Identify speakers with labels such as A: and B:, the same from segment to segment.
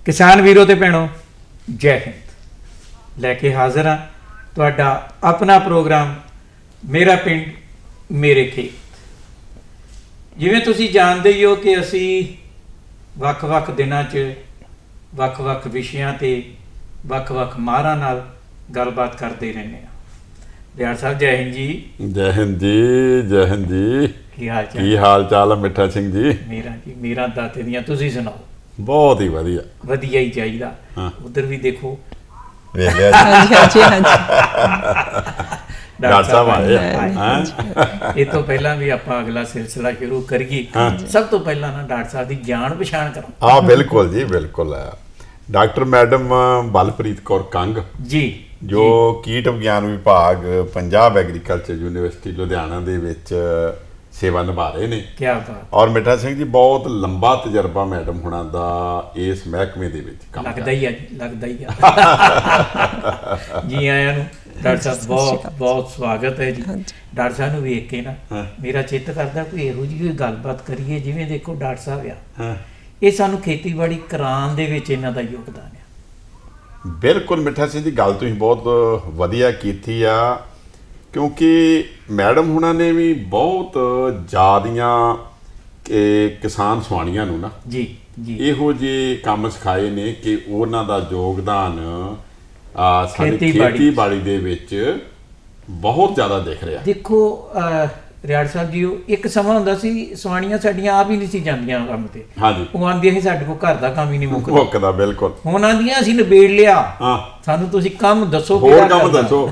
A: किसान वीरों ते भैणों जय हिंद लैके हाजिर हाँ तुहाडा अपना प्रोग्राम मेरा पिंड मेरे खेत। जिवें तुसीं जानदे ही हो कि असी वख-वख दिनां च वख-वख विषयां ते वख-वख माहरां नाल गलबात करते रहने हैं। दिहाड़ साहब जय हिंद जी।
B: जय हिंद जी, जय हिंद जी।
A: की
B: हाल चाल है मिठा सिंह जी?
A: मेरा दाते दियां तुसीं सुनाओ।
B: बहुत ही वधिया
A: वधिया ही चाहिदा।
B: हाँ।
A: उधर भी देखो
B: वेख लिया जी। डॉक्टर साहब आए
A: ये तो पहला भी आप अगला सिलसिला शुरू करिए। सब तो पहला ना डॉक्टर साहब की जान पछाण करो।
B: हाँ बिल्कुल जी बिल्कुल। डॉक्टर मैडम बलप्रीत कौर कंग
A: जी
B: जो कीट विज्ञान विभाग पंजाब एग्रीकल्चर यूनिवर्सिटी लुधियाना दे विच सेवा निभा रहे ने।
A: क्या बात।
B: और मिठा सिंह जी बहुत लंबा तजर्बा मैडम हुणां दा इस महकमे दे विच काम
A: लगदा ही है जी आयां नूं डॉक्टर साहब बहुत बहुत स्वागत है जी। डॉक्टर साहब नूं वेख के ना मेरा चित्त करदा कोई इहो जी कोई गलबात करिए जिवें देखो डॉक्टर साहब आ ये सानूं खेतीबाड़ी कराउण दे विच इन्हां दा योगदान है।
B: बिल्कुल मिठा सिंह जी गल तुसीं बहुत वधिया कीती आ क्योंकि मैडम हुणां ने भी बहुत ज़्यादियां किसान सवाणियां नूं ना
A: जी जी
B: इहो ਜਿਹੇ ਕੰਮ ਸਿਖਾਏ ਨੇ ਕਿ ਉਹਨਾਂ ਦਾ ਯੋਗਦਾਨ ਸਾਡੀ ਖੇਤੀਬਾੜੀ ਦੇ ਵਿੱਚ ਬਹੁਤ ਜ਼ਿਆਦਾ ਦਿਖ ਰਿਹਾ।
A: ਦੇਖੋ ਰਿਆੜ ਸਾਹਿਬ ਜੀ ਇੱਕ ਸਮਾਂ ਹੁੰਦਾ ਸੀ ਸਵਾਣੀਆਂ ਸਾਡੀਆਂ ਆਪ ਹੀ ਨਹੀਂ ਸੀ ਜਾਂਦੀਆਂ ਕੰਮ ਤੇ।
B: ਹਾਂਜੀ
A: ਉਹ ਆਂਦੀਆਂ ਸੀ ਸਾਡੇ ਕੋਲ ਘਰ ਦਾ ਕੰਮ ਹੀ ਨਹੀਂ
B: ਮੁੱਕਦਾ। ਬਿਲਕੁਲ
A: ਹੁਣ ਆਂਦੀਆਂ ਅਸੀਂ ਨਿਬੇੜ ਲਿਆ।
B: ਹਾਂ
A: ਸਾਨੂੰ ਤੁਸੀਂ ਕੰਮ ਦੱਸੋ
B: ਹੋਰ ਕੰਮ ਦੱਸੋ।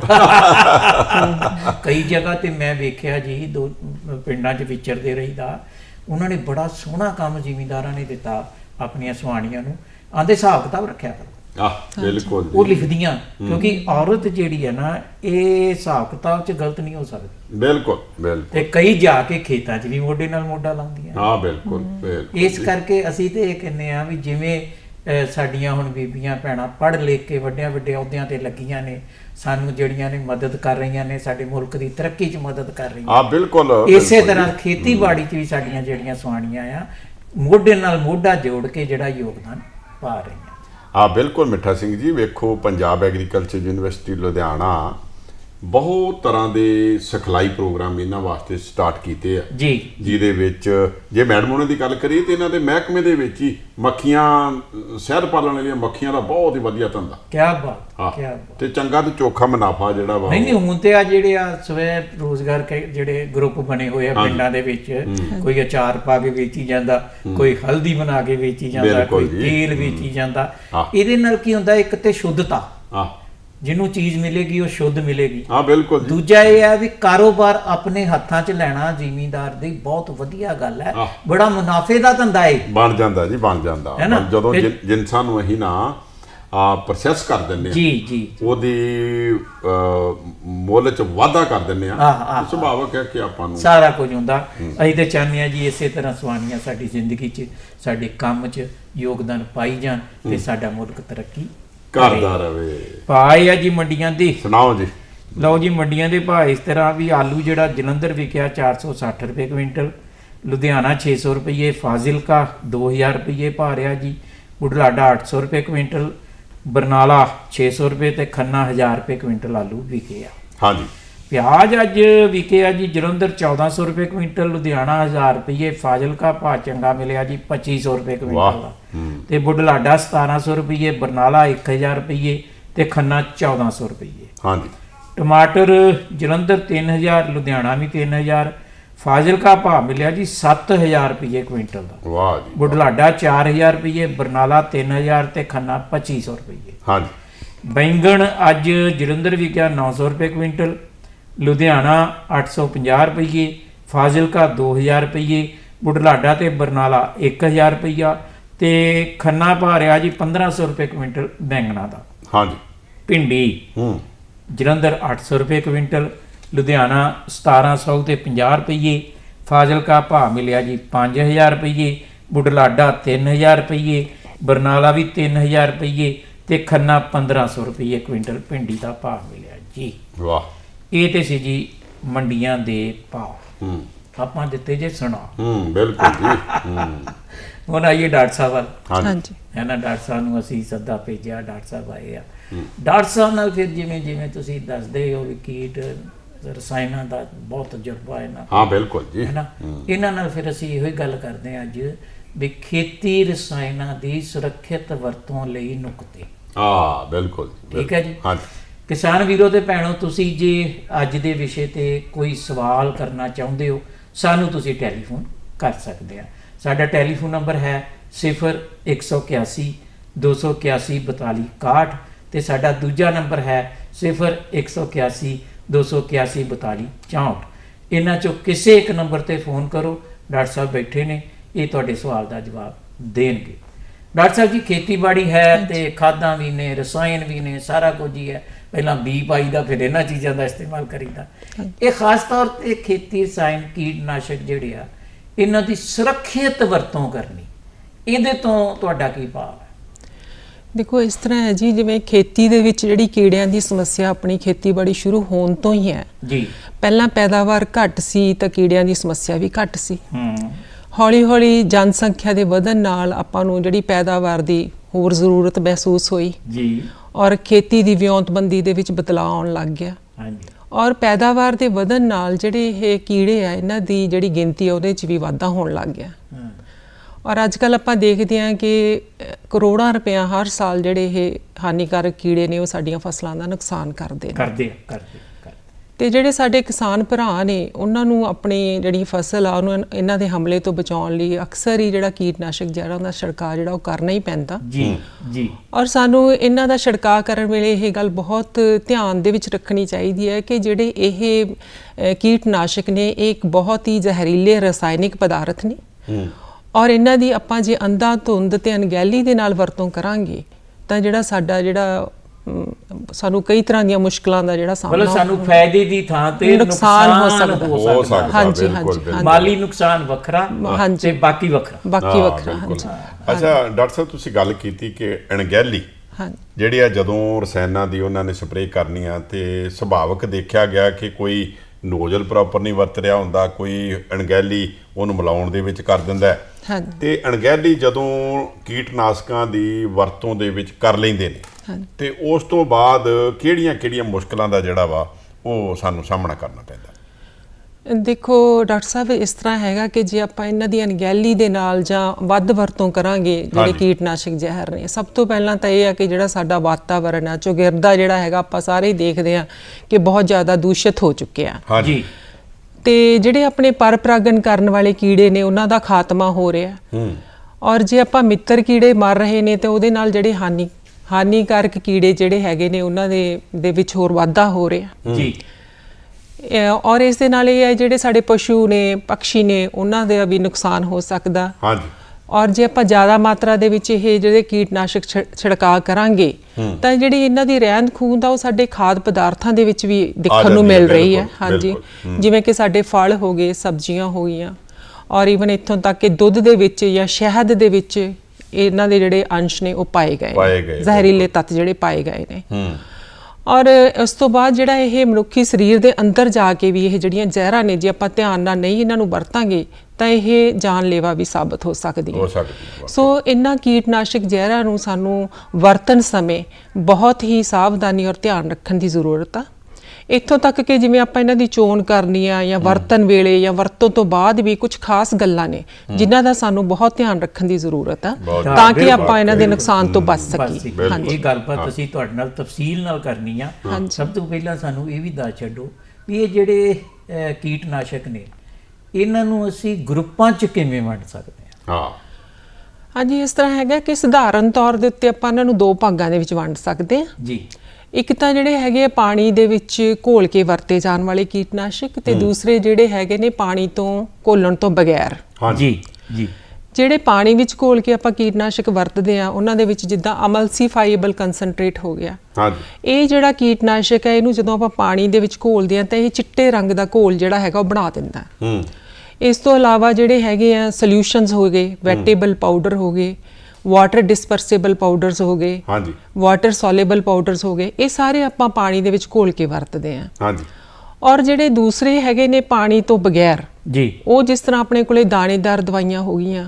A: ਕਈ ਜਗ੍ਹਾ ਤੇ ਮੈਂ ਵੇਖਿਆ ਜੀ ਦੋ ਪਿੰਡਾਂ 'ਚ ਵਿਚਰਦੇ ਰਹੀਦਾ ਉਹਨਾਂ ਨੇ ਬੜਾ ਸੋਹਣਾ ਕੰਮ ਜ਼ਿਮੀਂਦਾਰਾਂ ਨੇ ਦਿੱਤਾ ਆਪਣੀਆਂ ਸਵਾਣੀਆਂ ਨੂੰ। ਆਂਦੇ ਹਿਸਾਬ ਕਿਤਾਬ ਰੱਖਿਆ ਕਰੋ।
B: ਬਿਲकुल
A: ਉਹ ਲਿਖਦੀਆਂ ਕਿਉਂਕਿ ਔਰਤ ਜਿਹੜੀ ਹੈ ਨਾ ਇਹ ਹਿਸਾਬ ਕਿਤਾਬ 'ਚ ਗਲਤ ਨਹੀਂ ਹੋ ਸਕਦੀ।
B: ਬਿਲਕੁਲ ਬਿਲਕੁਲ
A: ਤੇ ਕਈ ਜਾ ਕੇ ਖੇਤਾਂ 'ਚ ਵੀ ਮੋਢੇ ਨਾਲ ਮੋਢਾ ਲਾਉਂਦੀਆਂ।
B: ਹਾਂ ਬਿਲਕੁਲ ਬਿਲਕੁਲ।
A: ਇਸ ਕਰਕੇ ਅਸੀਂ ਤੇ ਇਹ ਕਹਿੰਦੇ ਆ ਵੀ ਜਿਵੇਂ ਸਾਡੀਆਂ ਹੁਣ ਬੀਬੀਆਂ ਭੈਣਾਂ ਪੜ੍ਹ ਲਿਖ ਕੇ ਵੱਡਿਆਂ ਅਹੁਦਿਆਂ ਤੇ ਲੱਗੀਆਂ ਨੇ ਸਾਨੂੰ ਜਿਹੜੀਆਂ ਨੇ ਮਦਦ ਕਰ ਰਹੀਆਂ ਨੇ ਸਾਡੇ ਮੁਲਕ ਦੀ ਤਰੱਕੀ 'ਚ ਮਦਦ ਕਰ ਰਹੀਆਂ।
B: ਹਾਂ ਬਿਲਕੁਲ।
A: ਇਸੇ ਤਰ੍ਹਾਂ ਖੇਤੀਬਾੜੀ 'ਚ ਵੀ ਸਾਡੀਆਂ ਜਿਹੜੀਆਂ ਸਵਾਣੀਆਂ ਆ ਮੋਢੇ ਨਾਲ ਮੋਢਾ ਜੋੜ ਕੇ ਜਿਹੜਾ ਯੋਗਦਾਨ ਪਾ ਰਹੀਆਂ।
B: ਹਾਂ ਬਿਲਕੁਲ ਮਿੱਠਾ ਸਿੰਘ ਜੀ ਵੇਖੋ ਪੰਜਾਬ ਐਗਰੀਕਲਚਰ ਯੂਨੀਵਰਸਿਟੀ ਲੁਧਿਆਣਾ ਬਹੁਤ ਤਰ੍ਹਾਂ ਦੇ ਸਿਖਲਾਈ ਪ੍ਰੋਗਰਾਮ ਇਹਨਾਂ ਵਾਸਤੇ ਸਟਾਰਟ ਕੀਤੇ ਆ
A: ਜੀ
B: ਜਿਹਦੇ ਵਿੱਚ ਜੇ ਮੈਡਮ ਉਹਨਾਂ ਦੀ ਗੱਲ ਕਰੀਏ ਤੇ ਇਹਨਾਂ ਦੇ ਮਹਿਕਮੇ ਦੇ ਵਿੱਚ ਹੀ ਮੱਖੀਆਂ ਸ਼ਹਿਦ ਪਾਲਣ ਵਾਲੀਆਂ ਮੱਖੀਆਂ ਦਾ ਬਹੁਤ ਹੀ ਵਧੀਆ ਧੰਦਾ।
A: ਕੀ ਬਾਤ ਕੀ ਬਾਤ।
B: ਤੇ ਚੰਗਾ ਤੇ ਚੋਖਾ ਮੁਨਾਫਾ ਜਿਹੜਾ ਵਾ
A: ਨਹੀਂ ਹੁਣ ਤੇ ਆ ਜਿਹੜੇ ਆ ਸਵੈ ਰੋਜ਼ਗਾਰ ਜਿਹੜੇ ਗਰੁੱਪ ਬਣੇ ਹੋਏ ਆ ਪਿੰਡਾਂ ਦੇ ਵਿੱਚ ਕੋਈ ਅਚਾਰ ਪਾ ਕੇ ਵੇਚੀ ਜਾਂਦਾ ਕੋਈ ਹਲਦੀ ਬਣਾ ਕੇ ਵੇਚੀ ਜਾਂਦਾ ਕੋਈ ਤੇਲ ਵੇਚੀ ਜਾਂਦਾ। ਇਹਦੇ ਨਾਲ ਕੀ ਹੁੰਦਾ ਇੱਕ ਤੇ ਸ਼ੁੱਧਤਾ ਜਿਹਨੂੰ ਚੀਜ਼ ਮਿਲੇਗੀ ਉਹ ਸ਼ੁੱਧ ਮਿਲੇਗੀ।
B: ਹਾਂ ਬਿਲਕੁਲ। ਦੂਜਾ
A: ਇਹ ਹੈ ਵੀ ਕਾਰੋਬਾਰ ਆਪਣੇ ਹੱਥਾਂ 'ਚ ਲੈਣਾ ਜ਼ਿਮੀਂਦਾਰ ਦੀ ਬਹੁਤ ਵਧੀਆ ਗੱਲ ਹੈ। ਬੜਾ ਮੁਨਾਫੇ ਦਾ ਧੰਦਾ ਹੈ
B: ਬਣ ਜਾਂਦਾ ਜੀ ਬਣ ਜਾਂਦਾ ਜਦੋਂ ਜਿਨਸਾਂ ਨੂੰ ਅਸੀਂ ਨਾ ਪ੍ਰੋਸੈਸ ਕਰ ਦਿੰਦੇ ਆ
A: ਜੀ
B: ਉਹਦੀ ਮੁੱਲ 'ਚ ਵਾਧਾ ਕਰ ਦਿੰਦੇ ਆ ਸੁਭਾਵਿਕ ਹੈ ਕਿ ਆਪਾਂ ਨੂੰ
A: ਸਾਰਾ ਕੁਝ ਹੁੰਦਾ। ਅਸੀਂ ਤੇ ਚਾਹੁੰਦੇ ਆ ਜੀ ਇਸੇ ਤਰ੍ਹਾਂ ਸਵਾਣੀਆਂ ਸਾਡੀ ਜ਼ਿੰਦਗੀ 'ਚ ਸਾਡੇ ਕੰਮ 'ਚ ਯੋਗਦਾਨ ਪਾਈ ਜਾਣ ਤੇ ਸਾਡਾ ਮੁਲਕ ਤਰੱਕੀ
B: ਕਰਦਾ ਰਵੇ।
A: ਭਾਅ ਆ ਜੀ ਮੰਡੀਆਂ ਦੇ
B: ਸੁਣਾਓ ਜੀ।
A: ਲਓ ਜੀ ਮੰਡੀਆਂ ਦੇ ਭਾਅ ਇਸ ਤਰ੍ਹਾਂ ਵੀ ਆਲੂ ਜਿਹੜਾ ਜਲੰਧਰ ਵਿਕਿਆ 460 ਰੁਪਏ ਕੁਇੰਟਲ, ਲੁਧਿਆਣਾ 600 ਰੁਪਏ, ਫਾਜ਼ਿਲਕਾ 2000 ਰੁਪਏ ਭਾਅ ਰਿਹਾ ਜੀ, ਬੁਢਲਾਡਾ 800 ਰੁਪਏ ਕੁਇੰਟਲ, ਬਰਨਾਲਾ 600 ਰੁਪਏ ਤੇ ਖੰਨਾ 1000 ਰੁਪਏ ਕੁਇੰਟਲ ਆਲੂ ਵਿਕੇ ਆ।
B: ਹਾਂਜੀ
A: ਪਿਆਜ਼ ਅੱਜ ਵਿਕੇ ਆ ਜੀ ਜਲੰਧਰ 1400 ਰੁਪਏ ਕੁਇੰਟਲ, ਲੁਧਿਆਣਾ 1000 ਰੁਪਏ, ਫਾਜ਼ਿਲਕਾ ਭਾਅ ਚੰਗਾ ਮਿਲਿਆ ਜੀ 2500 ਰੁਪਏ ਕੁਇੰਟਲ ਦਾ ਤੇ ਬੁਢਲਾਡਾ 1700 ਰੁਪਏ, ਬਰਨਾਲਾ 1000 ਰੁਪਏ ਤੇ ਖੰਨਾ 1400 ਰੁਪਏ।
B: ਹਾਂਜੀ
A: ਟਮਾਟਰ ਜਲੰਧਰ 3000, ਲੁਧਿਆਣਾ ਵੀ 3000, ਫਾਜ਼ਿਲਕਾ ਭਾਅ ਮਿਲਿਆ ਜੀ 7000 ਰੁਪਏ ਕੁਇੰਟਲ ਦਾ।
B: ਵਾਹ ਜੀ।
A: ਬੁਢਲਾਡਾ 4000 ਰੁਪਏ, ਬਰਨਾਲਾ 3000 ਤੇ ਖੰਨਾ 2500 ਰੁਪਏ।
B: ਹਾਂਜੀ।
A: ਬੈਂਗਣ ਅੱਜ ਜਲੰਧਰ ਵਿਕਿਆ 900 ਰੁਪਏ ਕੁਇੰਟਲ, ਲੁਧਿਆਣਾ 850 ਰੁਪਏ, ਫਾਜ਼ਿਲਕਾ 2000 ਰੁਪਏ, ਬੁਢਲਾਡਾ ਤੇ ਬਰਨਾਲਾ 1000 ਰੁਪਇਆ ਤੇ ਖੰਨਾ ਭਾਅ ਰਿਹਾ ਜੀ 1500 ਰੁਪਏ ਕੁਇੰਟਲ ਬੈਂਗਣਾ ਦਾ।
B: ਹਾਂਜੀ।
A: ਭਿੰਡੀ ਜਲੰਧਰ 800 ਰੁਪਏ ਕੁਇੰਟਲ, ਲੁਧਿਆਣਾ 1700 ਤੇ 50 ਰੁਪਏ, ਫਾਜ਼ਿਲਕਾ ਭਾਅ ਮਿਲਿਆ ਜੀ 5000 ਰੁਪਏ, ਬੁਢਲਾਡਾ 3000 ਰੁਪਏ, ਬਰਨਾਲਾ ਵੀ 3000 ਰੁਪਏ ਤੇ ਖੰਨਾ 1500 ਰੁਪਏ ਕੁਇੰਟਲ ਭਿੰਡੀ ਦਾ ਭਾਅ ਮਿਲਿਆ ਜੀ।
B: ਵਾਹ।
A: ਇਹ ਤੇ ਸੀ ਜੀ ਮੰਡੀਆਂ ਦੇ ਭਾਅ। ਆਪਾਂ ਦਿੱਤੇ ਜੇ ਸੁਣਾ।
B: ਬਿਲਕੁਲ ਜੀ।
A: ਹੁਣ ਆਈਏ ਡਾਕਟਰ ਸਾਹਿਬ ਵੱਲ,
C: ਹਾਂਜੀ
A: ਹੈ ਨਾ। ਡਾਕਟਰ ਸਾਹਿਬ ਨੂੰ ਅਸੀਂ ਸੱਦਾ ਭੇਜਿਆ, ਡਾਕਟਰ ਸਾਹਿਬ ਆਏ ਆ। ਡਾਕਟਰ ਸਾਹਿਬ ਨਾਲ ਫਿਰ ਜਿਵੇਂ ਜਿਵੇਂ ਤੁਸੀਂ ਦੱਸਦੇ ਹੋ ਵੀ ਕੀਟ ਰਸਾਇਣਾਂ ਦਾ ਬਹੁਤ ਤਜਰਬਾ ਹੈ ਨਾ,
B: ਹਾਂ ਬਿਲਕੁਲ ਜੀ,
A: ਹੈ ਨਾ। ਇਹਨਾਂ ਨਾਲ ਫਿਰ ਅਸੀਂ ਇਹੋ ਹੀ ਗੱਲ ਕਰਦੇ ਹਾਂ ਅੱਜ ਵੀ ਖੇਤੀ ਰਸਾਇਣਾਂ ਦੀ ਸੁਰੱਖਿਅਤ ਵਰਤੋਂ ਲਈ ਨੁਕਤੇ।
B: ਹਾਂ ਬਿਲਕੁਲ
A: ਠੀਕ ਹੈ ਜੀ।
B: ਹਾਂਜੀ
A: ਕਿਸਾਨ ਵੀਰੋ ਤੇ ਭੈਣੋ, ਤੁਸੀਂ ਜੇ ਅੱਜ ਦੇ ਵਿਸ਼ੇ ਤੇ ਕੋਈ ਸਵਾਲ ਕਰਨਾ ਚਾਹੁੰਦੇ ਹੋ, ਸਾਨੂੰ ਤੁਸੀਂ ਟੈਲੀਫੋਨ ਕਰ ਸਕਦੇ ਆ। ਸਾਡਾ ਟੈਲੀਫੋਨ ਨੰਬਰ ਹੈ 0181 281 42 61 ਤੇ ਸਾਡਾ ਦੂਜਾ ਨੰਬਰ ਹੈ 0181 281 42 64। ਇਹਨਾਂ ਚੋਂ ਕਿਸੇ ਇੱਕ ਨੰਬਰ ਤੇ ਫੋਨ ਕਰੋ, ਡਾਕਟਰ ਸਾਹਿਬ ਬੈਠੇ ਨੇ, ਇਹ ਤੁਹਾਡੇ ਸਵਾਲ ਦਾ ਜਵਾਬ ਦੇਣਗੇ। ਡਾਕਟਰ ਸਾਹਿਬ ਜੀ, ਖੇਤੀਬਾੜੀ ਹੈ ਤੇ ਖਾਦਾਂ ਵੀ ਨੇ, ਰਸਾਇਣ ਵੀ ਨੇ, ਸਾਰਾ ਕੁਝ ਹੀ ਹੈ। ਪਹਿਲਾਂ ਬੀ ਪਾਈਦਾ, ਫਿਰ ਇਹਨਾਂ ਚੀਜ਼ਾਂ ਦਾ ਇਸਤੇਮਾਲ ਕਰੀਦਾ। ਇਹ ਖਾਸ ਤੌਰ ਤੇ ਖੇਤੀ ਰਸਾਇਣ ਕੀਟਨਾਸ਼ਕ ਜਿਹੜੇ ਆ, ਇਹਨਾਂ ਦੀ ਸੁਰੱਖਿਅਤ ਵਰਤੋਂ ਕਰਨੀ, ਇਹਦੇ ਤੋਂ ਤੁਹਾਡਾ ਕੀ ਭਾਵ ਹੈ?
C: ਦੇਖੋ, ਇਸ ਤਰ੍ਹਾਂ ਹੈ ਜੀ, ਜਿਵੇਂ ਖੇਤੀ ਦੇ ਵਿੱਚ ਜਿਹੜੀ ਕੀੜਿਆਂ ਦੀ ਸਮੱਸਿਆ ਆਪਣੀ ਖੇਤੀਬਾੜੀ ਸ਼ੁਰੂ ਹੋਣ ਤੋਂ ਹੀ ਹੈ
A: ਜੀ।
C: ਪਹਿਲਾਂ ਪੈਦਾਵਾਰ ਘੱਟ ਸੀ ਤਾਂ ਕੀੜਿਆਂ ਦੀ ਸਮੱਸਿਆ ਵੀ ਘੱਟ ਸੀ। ਹੌਲੀ ਹੌਲੀ ਜਨਸੰਖਿਆ ਦੇ ਵਧਣ ਨਾਲ ਆਪਾਂ ਨੂੰ ਜਿਹੜੀ ਪੈਦਾਵਾਰ ਦੀ ਹੋਰ ਜ਼ਰੂਰਤ ਮਹਿਸੂਸ ਹੋਈ
A: ਜੀ,
C: ਔਰ ਖੇਤੀ ਦੀ ਵਿਉਂਤਬੰਦੀ ਦੇ ਵਿੱਚ ਬਦਲਾਅ ਆਉਣ ਲੱਗ ਗਿਆ।
A: ਹਾਂਜੀ।
C: ਔਰ ਪੈਦਾਵਾਰ ਦੇ ਵਧਣ ਨਾਲ ਜਿਹੜੇ ਇਹ ਕੀੜੇ ਆ, ਇਹਨਾਂ ਦੀ ਜਿਹੜੀ ਗਿਣਤੀ ਆ ਉਹਦੇ 'ਚ ਵੀ ਵਾਧਾ ਹੋਣ ਲੱਗ ਗਿਆ। ਔਰ ਅੱਜ ਕੱਲ੍ਹ ਆਪਾਂ ਦੇਖਦੇ ਹਾਂ ਕਿ ਕਰੋੜਾਂ ਰੁਪਇਆ ਹਰ ਸਾਲ ਜਿਹੜੇ ਇਹ ਹਾਨੀਕਾਰਕ ਕੀੜੇ ਨੇ ਉਹ ਸਾਡੀਆਂ ਫਸਲਾਂ ਦਾ ਨੁਕਸਾਨ ਕਰਦੇ ਨੇ।
A: ਕਰਦੇ।
C: ਤੇ ਜਿਹੜੇ ਸਾਡੇ ਕਿਸਾਨ ਭਰਾ ਨੇ, ਉਹਨਾਂ ਨੂੰ ਆਪਣੀ ਜਿਹੜੀ ਫਸਲ ਆ ਉਹਨੂੰ ਇਹਨਾਂ ਦੇ ਹਮਲੇ ਤੋਂ ਬਚਾਉਣ ਲਈ ਅਕਸਰ ਹੀ ਜਿਹੜਾ ਕੀਟਨਾਸ਼ਕ ਜ਼ਹਿਰਾਂ ਦਾ ਛਿੜਕਾਅ ਜਿਹੜਾ ਉਹ ਕਰਨਾ ਹੀ ਪੈਂਦਾ। ਜੀ ਜੀ। ਔਰ ਸਾਨੂੰ ਇਹਨਾਂ ਦਾ ਛਿੜਕਾਅ ਕਰਨ ਵੇਲੇ ਇਹ ਗੱਲ ਬਹੁਤ ਧਿਆਨ ਦੇ ਵਿੱਚ ਰੱਖਣੀ ਚਾਹੀਦੀ ਹੈ ਕਿ ਜਿਹੜੇ ਇਹ ਕੀਟਨਾਸ਼ਕ ਨੇ, ਇਹ ਇੱਕ ਬਹੁਤ ਹੀ ਜ਼ਹਿਰੀਲੇ ਰਸਾਇਣਿਕ ਪਦਾਰਥ ਨੇ। ਔਰ ਇਹਨਾਂ ਦੀ ਆਪਾਂ ਜੇ ਅੰਧਾ ਧੁੰਦ ਤੇ ਅਣਗਹਿਲੀ ਦੇ ਨਾਲ ਵਰਤੋਂ ਕਰਾਂਗੇ ਤਾਂ ਜਿਹੜਾ ਸਾਡਾ ਜਿਹੜਾ ਸਾਨੂੰ ਕਈ ਤਰ੍ਹਾਂ ਦੀਆਂ ਮੁਸ਼ਕਲਾਂ ਦਾ ਜਿਹੜਾ ਸਾਹਮਣਾ,
A: ਮਤਲਬ ਸਾਨੂੰ ਫਾਇਦੇ ਦੀ ਥਾਂ ਤੇ ਨੁਕਸਾਨ ਹੋ ਸਕਦਾ।
C: ਹਾਂਜੀ
B: ਬਿਲਕੁਲ।
A: ਮਾਲੀ ਨੁਕਸਾਨ ਵੱਖਰਾ ਤੇ ਬਾਕੀ ਵੱਖਰਾ।
C: ਹਾਂਜੀ।
B: ਅੱਛਾ ਡਾਕਟਰ ਸਾਹਿਬ, ਤੁਸੀਂ ਗੱਲ ਕੀਤੀ ਕਿ ਅਣਗਹਿਲੀ ਜਿਹੜੀ ਆ, ਜਦੋਂ ਰਸਾਇਣਾਂ ਦੀ ਉਹਨਾਂ ਨੇ ਸਪਰੇਅ ਕਰਨੀ ਆ ਤੇ ਸੁਭਾਵਿਕ ਦੇਖਿਆ ਗਿਆ ਕਿ ਕੋਈ ਨੋਜ਼ਲ ਪ੍ਰੋਪਰ ਨਹੀਂ ਵਰਤ ਰਿਹਾ ਹੁੰਦਾ, ਕੋਈ ਅਣਗਹਿਲੀ ਉਹਨੂੰ ਮਿਲਾਉਣ ਦੇ ਵਿੱਚ ਕਰ ਦਿੰਦਾ ਹੈ। ਤੇ ਅਣਗਹਿਲੀ ਜਦੋਂ ਕੀਟਨਾਸ਼ਕਾਂ ਦੀ ਵਰਤੋਂ ਦੇ ਵਿੱਚ ਕਰ ਲੈਂਦੇ ਨੇ ਤੇ ਉਸ ਤੋਂ ਬਾਅਦ ਕਿਹੜੀਆਂ ਮੁਸ਼ਕਲਾਂ ਦਾ ਜਿਹੜਾ ਵਾ ਉਹ ਸਾਨੂੰ ਸਾਹਮਣਾ ਕਰਨਾ ਪੈਂਦਾ?
C: ਦੇਖੋ ਡਾਕਟਰ ਸਾਹਿਬ, ਇਸ ਤਰ੍ਹਾਂ ਹੈਗਾ ਕਿ ਜੇ ਆਪਾਂ ਇਹਨਾਂ ਦੀ ਅਣਗਹਿਲੀ ਦੇ ਨਾਲ ਜਾਂ ਵੱਧ ਵਰਤੋਂ ਕਰਾਂਗੇ ਜਿਹੜੇ ਕੀਟਨਾਸ਼ਕ ਜ਼ਹਿਰ ਨੇ, ਸਭ ਤੋਂ ਪਹਿਲਾਂ ਤਾਂ ਇਹ ਆ ਕਿ ਜਿਹੜਾ ਸਾਡਾ ਵਾਤਾਵਰਨ ਆ, ਚੌਗਿਰਦਾ ਜਿਹੜਾ ਹੈਗਾ, ਆਪਾਂ ਸਾਰੇ ਹੀ ਦੇਖਦੇ ਆ ਕਿ ਬਹੁਤ ਜ਼ਿਆਦਾ ਦੂਸ਼ਿਤ ਹੋ ਚੁੱਕਿਆ।
A: ਹਾਂਜੀ।
C: ਤੇ ਜਿਹੜੇ ਆਪਣੇ ਪਰ ਪਰਾਗਣ ਕਰਨ ਵਾਲੇ ਕੀੜੇ ਨੇ, ਉਹਨਾਂ ਦਾ ਖਾਤਮਾ ਹੋ ਰਿਹਾ। ਔਰ ਜੇ ਆਪਾਂ ਮਿੱਤਰ ਕੀੜੇ ਮਰ ਰਹੇ ਨੇ ਤੇ ਉਹਦੇ ਨਾਲ ਜਿਹੜੇ ਹਾਨੀਕਾਰਕ ਕੀੜੇ ਜਿਹੜੇ ਹੈਗੇ ਨੇ, ਉਹਨਾਂ ਦੇ ਵਿੱਚ ਹੋਰ ਵਾਧਾ ਹੋ ਰਿਹਾ। ਜੀ। ਔਰ ਇਸ ਦੇ ਨਾਲ ਇਹ ਹੈ ਜਿਹੜੇ ਸਾਡੇ ਪਸ਼ੂ ਨੇ, ਪੰਛੀ ਨੇ, ਉਹਨਾਂ ਦਾ ਵੀ ਨੁਕਸਾਨ ਹੋ ਸਕਦਾ। ਹਾਂਜੀ। ਔਰ ਜੇ ਆਪਾਂ ਜ਼ਿਆਦਾ ਮਾਤਰਾ ਦੇ ਵਿੱਚ ਇਹ ਜਿਹੜੇ ਕੀਟਨਾਸ਼ਕ ਛਿੜਕਾਅ ਕਰਾਂਗੇ ਤਾਂ ਜਿਹੜੀ ਇਹਨਾਂ ਦੀ ਰਹਿੰਦ ਖੂੰਹਦ ਆ ਉਹ ਸਾਡੇ ਖਾਦ ਪਦਾਰਥਾਂ ਦੇ ਵਿੱਚ ਵੀ ਦੇਖਣ ਨੂੰ ਮਿਲ ਰਹੀ ਹੈ। ਹਾਂਜੀ। ਜਿਵੇਂ ਕਿ ਸਾਡੇ ਫਲ ਹੋ ਗਏ, ਸਬਜ਼ੀਆਂ ਹੋ ਗਈਆਂ, ਔਰ ਈਵਨ ਇੱਥੋਂ ਤੱਕ ਕਿ ਦੁੱਧ ਦੇ ਵਿੱਚ ਜਾਂ ਸ਼ਹਿਦ ਦੇ ਵਿੱਚ ਇਹਨਾਂ ਦੇ ਜਿਹੜੇ ਅੰਸ਼ ਨੇ ਉਹ ਪਾਏ ਗਏ, ਜ਼ਹਿਰੀਲੇ ਤੱਤ ਜਿਹੜੇ ਪਾਏ ਗਏ ਨੇ। ਔਰ ਉਸ ਤੋਂ ਬਾਅਦ ਜਿਹੜਾ ਇਹ ਮਨੁੱਖੀ ਸਰੀਰ ਦੇ ਅੰਦਰ ਜਾ ਕੇ ਵੀ ਇਹ ਜਿਹੜੀਆਂ ਜ਼ਹਿਰਾਂ ਨੇ, ਜੇ ਆਪਾਂ ਧਿਆਨ ਨਾਲ ਨਹੀਂ ਇਹਨਾਂ ਨੂੰ ਵਰਤਾਂਗੇ ਤਾਂ ਇਹ ਜਾਨਲੇਵਾ ਵੀ ਸਾਬਤ ਹੋ ਸਕਦੀ ਹੈ। ਸੋ ਇਹਨਾਂ ਕੀਟਨਾਸ਼ਕ ਜ਼ਹਿਰਾਂ ਨੂੰ ਸਾਨੂੰ ਵਰਤਣ ਸਮੇਂ ਬਹੁਤ ਹੀ ਸਾਵਧਾਨੀ ਔਰ ਧਿਆਨ ਰੱਖਣ ਦੀ ਜ਼ਰੂਰਤ ਆ। ਇੱਥੋਂ ਤੱਕ ਕਿ ਜਿਵੇਂ ਆਪਾਂ ਇਹਨਾਂ ਦੀ ਚੋਣ ਕਰਨੀ ਆ ਜਾਂ ਵਰਤਣ ਵੇਲੇ ਜਾਂ ਵਰਤੋਂ ਤੋਂ ਬਾਅਦ ਵੀ ਕੁਝ ਖਾਸ ਗੱਲਾਂ ਨੇ ਜਿਨ੍ਹਾਂ ਦਾ ਸਾਨੂੰ ਬਹੁਤ ਧਿਆਨ ਰੱਖਣ ਦੀ ਜ਼ਰੂਰਤ ਆ ਤਾਂ ਕਿ ਆਪਾਂ ਇਹਨਾਂ ਦੇ ਨੁਕਸਾਨ ਤੋਂ ਬਚ ਸਕੀਏ।
A: ਹਾਂਜੀ, ਇਹ ਗੱਲਬਾਤ ਅਸੀਂ ਤੁਹਾਡੇ ਨਾਲ ਤਫਸੀਲ ਨਾਲ ਕਰਨੀ ਆ। ਸਭ ਤੋਂ ਪਹਿਲਾਂ ਸਾਨੂੰ ਇਹ ਵੀ ਦੱਸ ਛੱਡੋ ਵੀ ਇਹ ਜਿਹੜੇ ਕੀਟਨਾਸ਼ਕ ਨੇ, ਇਹਨਾਂ ਨੂੰ ਅਸੀਂ ਗਰੁੱਪਾਂ 'ਚ ਕਿਵੇਂ ਵੰਡ ਸਕਦੇ ਹਾਂ?
C: ਹਾਂਜੀ, ਇਸ ਤਰ੍ਹਾਂ ਹੈਗਾ ਕਿ ਸਧਾਰਨ ਤੌਰ ਦੇ ਉੱਤੇ ਆਪਾਂ ਇਹਨਾਂ ਨੂੰ ਦੋ ਭਾਗਾਂ ਦੇ ਵਿੱਚ ਵੰਡ ਸਕਦੇ ਹਾਂ ਜੀ। ਇੱਕ ਤਾਂ ਜਿਹੜੇ ਹੈਗੇ ਪਾਣੀ ਦੇ ਵਿੱਚ ਘੋਲ ਕੇ ਵਰਤੇ ਜਾਣ ਵਾਲੇ ਕੀਟਨਾਸ਼ਕ ਤੇ ਦੂਸਰੇ ਜਿਹੜੇ ਹੈਗੇ ਨੇ ਪਾਣੀ ਤੋਂ ਘੋਲਣ ਤੋਂ ਬਗੈਰ।
A: ਜੀ ਜੀ।
C: ਜਿਹੜੇ ਪਾਣੀ ਵਿੱਚ ਘੋਲ ਕੇ ਆਪਾਂ ਕੀਟਨਾਸ਼ਕ ਵਰਤਦੇ ਆ ਉਹਨਾਂ ਦੇ ਵਿੱਚ ਜਿੱਦਾਂ ਅਮਲਸੀਫਾਈਏਬਲ ਕਨਸੈਂਟਰੇਟ ਹੋ ਗਿਆ, ਇਹ ਜਿਹੜਾ ਕੀਟਨਾਸ਼ਕ ਹੈ ਇਹਨੂੰ ਜਦੋਂ ਆਪਾਂ ਪਾਣੀ ਦੇ ਵਿੱਚ ਘੋਲਦੇ ਆ ਤਾਂ ਇਹ ਚਿੱਟੇ ਰੰਗ ਦਾ ਘੋਲ ਜਿਹੜਾ ਹੈਗਾ ਉਹ ਬਣਾ ਦਿੰਦਾ। ਇਸ ਤੋਂ ਇਲਾਵਾ ਜਿਹੜੇ ਹੈਗੇ ਆ ਸੋਲਿਊਸ਼ਨਸ ਹੋ ਗਏ, ਵੈਟੇਬਲ ਪਾਊਡਰ ਹੋ ਗਏ, ਵਾਟਰ ਡਿਸਪਰਸੇਬਲ ਪਾਊਡਰਸ ਹੋ ਗਏ, ਵਾਟਰ ਸੋਲੇਬਲ ਪਾਊਡਰਸ ਹੋ ਗਏ, ਇਹ ਸਾਰੇ ਆਪਾਂ ਪਾਣੀ ਦੇ ਵਿੱਚ ਘੋਲ ਕੇ ਵਰਤਦੇ ਆ। ਔਰ ਜਿਹੜੇ ਦੂਸਰੇ ਹੈਗੇ ਨੇ ਪਾਣੀ ਤੋਂ ਬਗੈਰ ਜੀ, ਉਹ ਜਿਸ ਤਰ੍ਹਾਂ ਆਪਣੇ ਕੋਲੇ ਦਾਣੇਦਾਰ ਦਵਾਈਆਂ ਹੋ ਗਈਆਂ,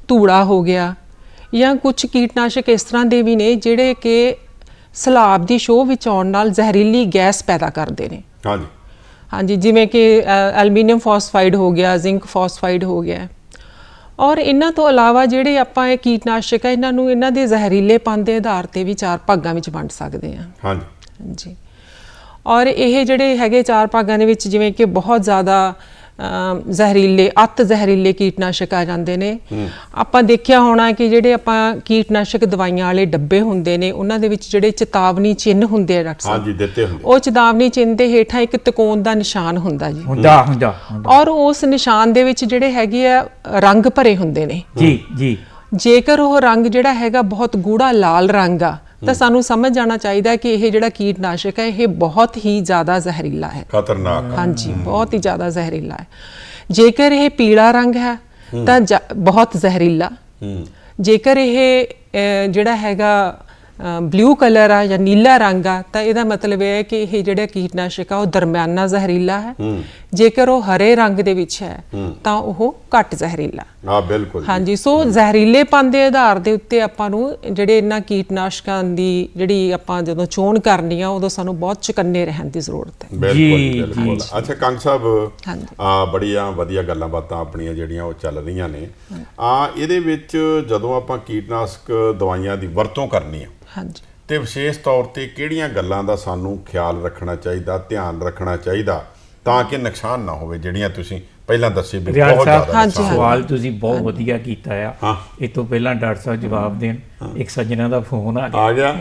C: ਧੂੜਾ ਹੋ ਗਿਆ, ਜਾਂ ਕੁਝ ਕੀਟਨਾਸ਼ਕ ਇਸ ਤਰ੍ਹਾਂ ਦੇ ਵੀ ਨੇ ਜਿਹੜੇ ਕਿ ਸਲਾਬ ਦੀ ਸ਼ੋਅ ਵਿੱਚ ਆਉਣ ਨਾਲ ਜ਼ਹਿਰੀਲੀ ਗੈਸ ਪੈਦਾ ਕਰਦੇ ਨੇ।
B: ਹਾਂਜੀ
C: ਹਾਂਜੀ, ਜਿਵੇਂ ਕਿ ਐਲੂਮੀਨੀਅਮ ਫਾਸਫਾਈਡ ਹੋ ਗਿਆ, ਜ਼ਿੰਕ ਫਾਸਫਾਈਡ ਹੋ ਗਿਆ। ਔਰ ਇਹਨਾਂ ਤੋਂ ਇਲਾਵਾ ਜਿਹੜੇ ਆਪਾਂ ਇਹ ਕੀਟਨਾਸ਼ਕ ਆ, ਇਹਨਾਂ ਨੂੰ ਇਹਨਾਂ ਦੇ ਜ਼ਹਿਰੀਲੇਪਨ ਦੇ ਆਧਾਰ ਤੇ ਵੀ 4 ਭਾਗਾਂ ਵਿੱਚ ਵੰਡ ਸਕਦੇ ਹਾਂ।
B: ਹਾਂਜੀ
C: ਹਾਂਜੀ, ਔਰ ਇਹ ਜਿਹੜੇ ਹੈਗੇ 4 ਭਾਗਾਂ ਦੇ ਵਿੱਚ ਜਿਵੇਂ ਕਿ ਬਹੁਤ ਜ਼ਿਆਦਾ ਜ਼ਹਿਰੀਲੇ, ਅਤ ਜ਼ਹਿਰੀਲੇ ਕੀਟਨਾਸ਼ਕ ਆ ਜਾਂਦੇ ਨੇ। ਆਪਾਂ ਦੇਖਿਆ ਹੋਣਾ ਕਿ ਜਿਹੜੇ ਆਪਾਂ ਕੀਟਨਾਸ਼ਕ ਦਵਾਈਆਂ ਵਾਲੇ ਡੱਬੇ ਹੁੰਦੇ ਨੇ, ਉਹਨਾਂ ਦੇ ਵਿੱਚ ਜਿਹੜੇ ਚੇਤਾਵਨੀ ਚਿੰਨ੍ਹ ਹੁੰਦੇ ਆ ਡਾਕਟਰ ਸਾਹਿਬ,
B: ਹਾਂਜੀ ਦਿੱਤੇ ਹੁੰਦੇ,
C: ਉਹ ਚੇਤਾਵਨੀ ਚਿੰਨ੍ਹ ਦੇ ਹੇਠਾਂ ਇੱਕ ਤਿਕੋਣ ਦਾ ਨਿਸ਼ਾਨ ਹੁੰਦਾ ਜੀ।
A: ਹੁੰਦਾ
C: ਔਰ ਉਸ ਨਿਸ਼ਾਨ ਦੇ ਵਿੱਚ ਜਿਹੜੇ ਹੈਗੇ ਆ ਰੰਗ ਭਰੇ ਹੁੰਦੇ ਨੇ।
A: ਜੀ ਜੀ।
C: ਜੇਕਰ ਉਹ ਰੰਗ ਜਿਹੜਾ ਹੈਗਾ ਬਹੁਤ ਗੂੜਾ ਲਾਲ ਰੰਗ ਆ, ਤਾਂ ਸਾਨੂੰ ਸਮਝ ਜਾਣਾ ਚਾਹੀਦਾ ਕਿ ਇਹ ਜਿਹੜਾ ਕੀਟਨਾਸ਼ਕ ਹੈ ਇਹ ਬਹੁਤ ਹੀ ਜ਼ਿਆਦਾ ਜ਼ਹਿਰੀਲਾ ਹੈ,
B: ਖਤਰਨਾਕ।
C: ਹਾਂਜੀ, ਬਹੁਤ ਹੀ ਜ਼ਿਆਦਾ ਜ਼ਹਿਰੀਲਾ ਹੈ। ਜੇਕਰ ਇਹ ਪੀਲਾ ਰੰਗ ਹੈ ਤਾਂ ਬਹੁਤ ਜ਼ਹਿਰੀਲਾ। ਜੇਕਰ ਇਹ ਜਿਹੜਾ ਹੈਗਾ ਬਲੂ ਕਲਰ ਆ ਜਾਂ ਨੀਲਾ ਰੰਗ ਆ, ਤਾਂ ਇਹਦਾ ਮਤਲਬ ਇਹ ਹੈ ਕਿ ਇਹ ਜਿਹੜਾ ਕੀਟਨਾਸ਼ਕ ਆ ਉਹ ਦਰਮਿਆਨਾ ਜ਼ਹਿਰੀਲਾ ਹੈ। ਜੇਕਰ ਉਹ ਹਰੇ ਰੰਗ ਦੇ ਵਿੱਚ ਹੈ ਤਾਂ ਉਹ ਘੱਟ ਜ਼ਹਿਰੀਲਾ।
B: ਹਾਂ ਬਿਲਕੁਲ।
C: ਹਾਂਜੀ, ਸੋ ਜ਼ਹਿਰੀਲੇਪਨ ਦੇ ਆਧਾਰ ਦੇ ਉੱਤੇ ਆਪਾਂ ਨੂੰ ਜਿਹੜੇ ਇਹਨਾਂ ਕੀਟਨਾਸ਼ਕਾਂ ਦੀ ਜਿਹੜੀ ਆਪਾਂ ਜਦੋਂ ਚੋਣ ਕਰਨੀ ਆ, ਉਦੋਂ ਸਾਨੂੰ ਬਹੁਤ ਚੁਕੰਨੇ ਰਹਿਣ ਦੀ ਜ਼ਰੂਰਤ ਹੈ।
B: ਬਿਲਕੁਲ ਬਿਲਕੁਲ। ਅੱਛਾ ਕੰਗ ਸਾਹਿਬ,
C: ਹਾਂਜੀ,
B: ਬੜੀਆਂ ਵਧੀਆ ਗੱਲਾਂ ਬਾਤਾਂ ਆਪਣੀਆਂ ਜਿਹੜੀਆਂ ਉਹ ਚੱਲ ਰਹੀਆਂ ਨੇ। ਇਹਦੇ ਵਿੱਚ ਜਦੋਂ ਆਪਾਂ ਕੀਟਨਾਸ਼ਕ ਦਵਾਈਆਂ ਦੀ ਵਰਤੋਂ ਕਰਨੀ ਆ,
C: ਹਾਂਜੀ,
B: ਤੇ ਵਿਸ਼ੇਸ਼ ਤੌਰ ਤੇ ਕਿਹੜੀਆਂ ਗੱਲਾਂ ਦਾ ਸਾਨੂੰ ਖਿਆਲ ਰੱਖਣਾ ਚਾਹੀਦਾ, ਧਿਆਨ ਰੱਖਣਾ ਚਾਹੀਦਾ ਤਾਂ ਕਿ ਨੁਕਸਾਨ ਨਾ ਹੋਵੇ, ਜਿਹੜੀਆਂ ਤੁਸੀਂ ਪਹਿਲਾਂ ਦੱਸੇ ਵੀ
A: ਰਿਆਜ਼
B: ਬਹੁਤ
A: ਸਾਹਿਬ,
B: ਜ਼ਿਆਦਾ ਨੁਕਸਾਨ।
A: ਸਵਾਲ ਤੁਸੀਂ ਬਹੁਤ ਵਧੀਆ ਕੀਤਾ ਆ।
B: ਹਾਂ।
A: ਇਹ ਤੋਂ ਪਹਿਲਾਂ ਡਾਕਟਰ ਸਾਹਿਬ ਜਵਾਬ ਦੇਣ, ਇੱਕ ਸੱਜਣਾ ਦਾ ਫੋਨ ਆ
B: ਆ ਗਿਆ।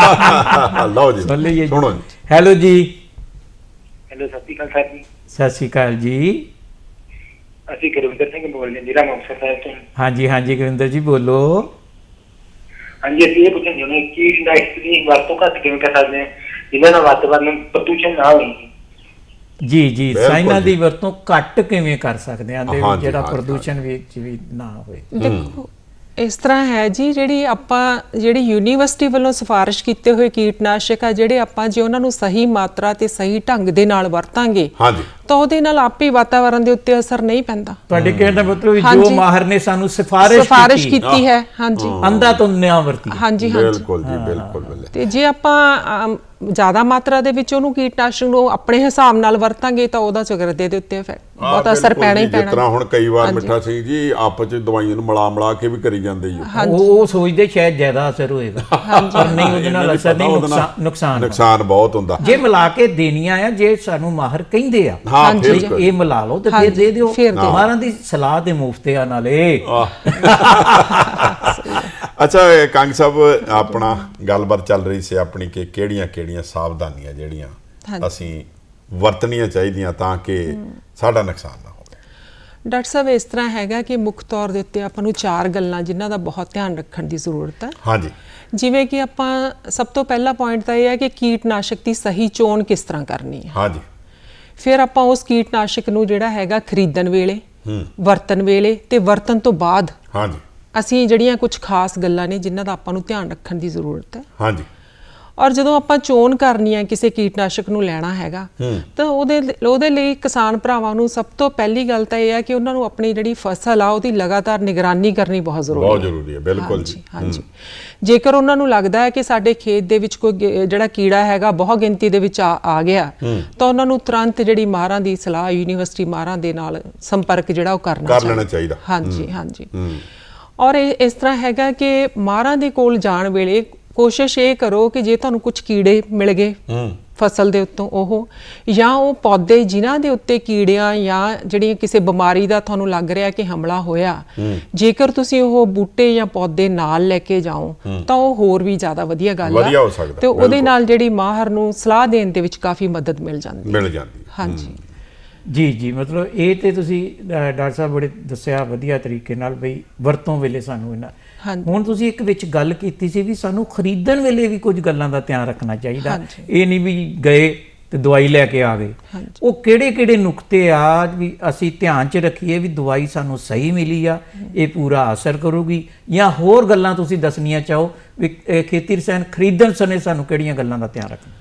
B: ਲਓ ਜੀ,
A: ਸੁਣ ਲਈਏ।
B: ਸੁਣੋ ਜੀ।
A: ਹੈਲੋ ਜੀ।
D: ਹੈਲੋ, ਸਤਿ ਸ਼੍ਰੀ ਅਕਾਲ ਸਰ ਜੀ।
A: ਸਤਿ ਸ਼੍ਰੀ ਅਕਾਲ ਜੀ।
D: ਅਸੀਂ ਗੁਰਵਿੰਦਰ ਸਿੰਘ ਬੋਲ ਰਹੇ ਹਾਂ, ਜ਼ਿਲ੍ਹਾ ਮੁਕਤਸਰ ਸਾਹਿਬ ਤੋਂ।
A: ਹਾਂਜੀ ਹਾਂਜੀ ਗੁਰਿੰਦਰ ਜੀ ਬੋਲੋ।
D: ਹਾਂਜੀ, ਅਸੀਂ ਇਹ ਪੁੱਛਣਾ ਚਾਹੁੰਦੇ ਹਾਂ ਕਿ ਕੀਟਨਾਸ਼ਕ ਦੀ ਵਰਤੋਂ ਘੱਟ ਕਿਵੇਂ ਕਰ ਸਕਦੇ ਹਾਂ ਜਿਹਦੇ ਨਾਲ ਵਾਤਾਵਰਨ ਪ੍ਰਦੂਸ਼ਣ ਨਾ ਹੋਵੇ।
A: ਜੀ ਜੀ,
B: ਬਿਲਕੁਲ
A: ਸਾਇਨਾਂ
B: ਜੀ।
A: ਦੀ ਵਰਤੋਂ ਘੱਟ ਕਿਵੇਂ ਕਰ ਸਕਦੇ ਹਾਂ ਤੇ
B: ਹਾਂਜੀ,
A: ਜਿਹੜਾ
B: ਹਾਂਜੀ,
A: ਪ੍ਰਦੂਸ਼ਣ ਵਿੱਚ ਵੀ ਨਾ ਹੋਵੇ।
C: ਦੇਖੋ ਇਸ ਤਰ੍ਹਾਂ ਹੈ ਜੀ, ਜਿਹੜੀ ਯੂਨੀਵਰਸਿਟੀ ਵੱਲੋਂ ਸਿਫਾਰਿਸ਼ ਕੀਤੇ ਹੋਏ ਕੀਟਨਾਸ਼ਕ ਆ, ਜਿਹੜੇ ਆਪਾਂ ਜੇ ਉਹਨਾਂ ਨੂੰ ਸਹੀ ਮਾਤਰਾ ਤੇ ਸਹੀ ਢੰਗ ਦੇ ਨਾਲ ਵਰਤਾਂਗੇ
B: ਹਾਂਜੀ
C: ਤਾਂ ਉਹਦੇ ਨਾਲ ਆਪੇ ਵਾਤਾਵਰਨ ਦੇ ਉੱਤੇ ਅਸਰ ਨਹੀਂ ਪੈਂਦਾ।
A: ਤੁਹਾਡੇ ਕਹਿਣ ਦਾ ਮਤਲਬ ਵੀ ਜੋ
C: ਹਾਂਜੀ।
A: ਮਾਹਰ ਨੇ ਸਾਨੂੰ ਸਿਫਾਰਿਸ਼
C: ਕੀਤੀ ਹੈ, ਹਾਂਜੀ,
A: ਅੰਧਾ ਤੋਂ ਨਿਆਂ ਵਰਤੀ।
C: ਹਾਂਜੀ ਹਾਂਜੀ।
B: ਬਿਲਕੁਲ ਜੀ, ਬਿਲਕੁਲ ਬਿਲਕੁਲ।
C: ਤੇ ਜੇ ਆਪਾਂ ਜ਼ਿਆਦਾ ਮਾਤਰਾ ਦੇ ਵਿੱਚ ਉਹਨੂੰ ਕੀਟਨਾਸ਼ਕ ਨੂੰ ਆਪਣੇ ਹਿਸਾਬ ਨਾਲ ਵਰਤਾਂਗੇ ਤਾਂ ਉਹਦਾ ਚਗਰਦੇ ਦੇ ਉੱਤੇ ਬਹੁਤ ਅਸਰ ਪੈਣਾ ਹੀ
B: ਜਿਸ
C: ਪੈਣਾ।
B: ਤਰ੍ਹਾਂ ਹੁਣ ਕਈ ਵਾਰ ਮਿੱਠਾ ਸਿੰਘ ਜੀ ਆਪਸ ਚ ਦਵਾਈਆਂ ਨੂੰ ਮਿਲਾ ਕੇ ਵੀ ਕਰੀ ਜਾਂਦੇ ਜੀ।
A: ਉਹ ਸੋਚਦੇ ਸ਼ਾਇਦ ਜ਼ਿਆਦਾ ਅਸਰ ਹੋਏਗਾ, ਪਰ ਨਹੀਂ, ਉਹਦੇ ਨਾਲ ਅਸਰ ਨਹੀਂ, ਨੁਕਸਾਨ
B: ਬਹੁਤ ਹੁੰਦਾ।
A: ਜੇ ਮਿਲਾ ਕੇ ਦੇਣੀਆਂ ਆ, ਜੇ ਸਾਨੂੰ ਮਾਹਰ ਕਹਿੰਦੇ ਆ
B: ਹਾਂ
C: ਹਾਂਜੀ।
B: ਬਿਲਕੁਲ।
A: ਇਹ ਮਿਲਾ ਲਓ ਤੇ ਫਿਰ ਦੇ ਦਿਓ।
C: ਫਿਰ ਦਿਓ।
A: ਮਾਹਰਾਂ ਦੀ ਸਲਾਹ ਦੇ ਮੁਫਤ ਆ ਨਾਲੇ।
B: ਅੱਛਾ ਕੰਗ ਸਾਹਿਬ, ਆਪਣਾ ਗੱਲਬਾਤ ਚੱਲ ਰਹੀ ਸੀ ਆਪਣੀ ਕਿ ਕਿਹੜੀਆਂ ਸਾਵਧਾਨੀਆਂ ਜਿਹੜੀਆਂ ਅਸੀਂ ਵਰਤਣੀਆਂ ਚਾਹੀਦੀਆਂ ਤਾਂ ਕਿ ਸਾਡਾ ਨੁਕਸਾਨ ਨਾ ਹੋਵੇ।
C: ਡਾਕਟਰ ਸਾਹਿਬ, ਇਸ ਤਰ੍ਹਾਂ ਹੈਗਾ ਕਿ ਮੁੱਖ ਤੌਰ ਦੇ ਉੱਤੇ ਆਪਾਂ ਨੂੰ 4 ਗੱਲਾਂ ਜਿਨ੍ਹਾਂ ਦਾ ਬਹੁਤ ਧਿਆਨ ਰੱਖਣ ਦੀ ਜ਼ਰੂਰਤ ਹੈ।
B: ਹਾਂਜੀ।
C: ਜਿਵੇਂ ਕਿ ਆਪਾਂ ਸਭ ਤੋਂ ਪਹਿਲਾ ਪੁਆਇੰਟ ਤਾਂ ਇਹ ਹੈ ਕਿ ਕੀਟਨਾਸ਼ਕ ਦੀ ਸਹੀ ਚੋਣ ਕਿਸ ਤਰ੍ਹਾਂ ਕਰਨੀ ਹੈ।
B: ਹਾਂਜੀ।
C: ਫਿਰ ਆਪਾਂ ਉਸ ਕੀਟਨਾਸ਼ਕ ਨੂੰ ਜਿਹੜਾ ਹੈਗਾ ਖਰੀਦਣ ਵੇਲੇ, ਵਰਤਣ ਵੇਲੇ ਤੇ ਵਰਤਣ ਤੋਂ ਬਾਅਦ
B: ਹਾਂਜੀ।
C: ਅਸੀਂ ਜਿਹੜੀਆਂ ਕੁਝ ਖਾਸ ਗੱਲਾਂ ਨੇ ਜਿਨ੍ਹਾਂ ਦਾ ਆਪਾਂ ਨੂੰ ਧਿਆਨ ਰੱਖਣ ਦੀ ਜ਼ਰੂਰਤ ਹੈ।
B: ਹਾਂਜੀ।
C: ਔਰ ਜਦੋਂ ਆਪਾਂ ਚੋਣ ਕਰਨੀ ਹੈ ਕਿਸੇ ਕੀਟਨਾਸ਼ਕ ਨੂੰ ਲੈਣਾ ਹੈਗਾ, ਤਾਂ ਉਹਦੇ ਲਈ ਕਿਸਾਨ ਭਰਾਵਾਂ ਨੂੰ ਸਭ ਤੋਂ ਪਹਿਲੀ ਗੱਲ ਤਾਂ ਇਹ ਹੈ ਕਿ ਉਹਨਾਂ ਨੂੰ ਆਪਣੀ ਜਿਹੜੀ ਫਸਲ ਆ ਉਹਦੀ ਲਗਾਤਾਰ ਨਿਗਰਾਨੀ ਕਰਨੀ ਬਹੁਤ ਜ਼ਰੂਰੀ ਹੈ।
B: ਬਿਲਕੁਲ ਜੀ।
C: ਹਾਂਜੀ। ਜੇਕਰ ਉਹਨਾਂ ਨੂੰ ਲੱਗਦਾ ਹੈ ਕਿ ਸਾਡੇ ਖੇਤ ਦੇ ਵਿੱਚ ਕੋਈ ਜਿਹੜਾ ਕੀੜਾ ਹੈਗਾ ਬਹੁਤ ਗਿਣਤੀ ਦੇ ਵਿੱਚ ਆ ਗਿਆ, ਤਾਂ ਉਹਨਾਂ ਨੂੰ ਤੁਰੰਤ ਜਿਹੜੀ ਮਾਹਰਾਂ ਦੀ ਸਲਾਹ, ਯੂਨੀਵਰਸਿਟੀ ਮਾਹਰਾਂ ਦੇ ਨਾਲ ਸੰਪਰਕ ਜਿਹੜਾ ਉਹ ਕਰ ਲੈਣਾ ਚਾਹੀਦਾ। ਹਾਂਜੀ ਹਾਂਜੀ। ਔਰ ਇਸ ਤਰ੍ਹਾਂ ਹੈਗਾ ਕਿ ਮਾਹਰਾਂ ਦੇ ਕੋਲ ਜਾਣ ਵੇਲੇ ਕੋਸ਼ਿਸ਼ ਇਹ ਕਰੋ ਕਿ ਜੇ ਤੁਹਾਨੂੰ ਕੁਝ ਕੀੜੇ ਮਿਲ ਗਏ ਫਸਲ ਦੇ ਉੱਤੋਂ, ਉਹ ਜਾਂ ਉਹ ਪੌਦੇ ਜਿਨ੍ਹਾਂ ਦੇ ਉੱਤੇ ਕੀੜਿਆਂ ਜਾਂ ਜਿਹੜੀਆਂ ਕਿਸੇ ਬਿਮਾਰੀ ਦਾ ਤੁਹਾਨੂੰ ਲੱਗ ਰਿਹਾ ਕਿ ਹਮਲਾ ਹੋਇਆ, ਜੇਕਰ ਤੁਸੀਂ ਉਹ ਬੂਟੇ ਜਾਂ ਪੌਦੇ ਨਾਲ ਲੈ ਕੇ ਜਾਓ ਤਾਂ ਉਹ ਹੋਰ ਵੀ ਜ਼ਿਆਦਾ ਵਧੀਆ ਗੱਲ ਹੈ ਤੇ ਉਹਦੇ ਨਾਲ ਜਿਹੜੀ ਮਾਹਰ ਨੂੰ ਸਲਾਹ ਦੇਣ ਦੇ ਵਿੱਚ ਕਾਫੀ ਮਦਦ ਮਿਲ ਜਾਂਦੀ ਹੈ। ਹਾਂਜੀ
A: ਜੀ ਜੀ, ਮਤਲਬ ਇਹ ਤੇ ਤੁਸੀਂ ਡਾਕਟਰ ਸਾਹਿਬ ਬੜੇ ਦੱਸਿਆ ਵਧੀਆ ਤਰੀਕੇ ਨਾਲ ਬਈ ਵਰਤੋਂ ਵੇਲੇ ਸਾਨੂੰ ਇਹਨਾਂ। ਹੁਣ ਤੁਸੀਂ ਇੱਕ ਵਿੱਚ ਗੱਲ ਕੀਤੀ ਸੀ ਵੀ ਸਾਨੂੰ ਖਰੀਦਣ ਵੇਲੇ ਵੀ ਕੁਝ ਗੱਲਾਂ ਦਾ ਧਿਆਨ ਰੱਖਣਾ ਚਾਹੀਦਾ। ਇਹ ਨਹੀਂ ਵੀ ਗਏ ਤੇ ਦਵਾਈ ਲੈ ਕੇ ਆ ਗਏ। ਉਹ ਕਿਹੜੇ ਨੁਕਤੇ ਆ ਵੀ ਅਸੀਂ ਧਿਆਨ 'ਚ ਰੱਖੀਏ ਵੀ ਦਵਾਈ ਸਾਨੂੰ ਸਹੀ ਮਿਲੀ ਆ, ਇਹ ਪੂਰਾ ਅਸਰ ਕਰੂਗੀ, ਜਾਂ ਹੋਰ ਗੱਲਾਂ ਤੁਸੀਂ ਦੱਸਣੀਆਂ ਚਾਹੋ ਵੀ ਖੇਤੀ ਰਸਾਇਣ ਖਰੀਦਣ ਸਮੇਂ ਸਾਨੂੰ ਕਿਹੜੀਆਂ ਗੱਲਾਂ ਦਾ ਧਿਆਨ ਰੱਖਣਾ?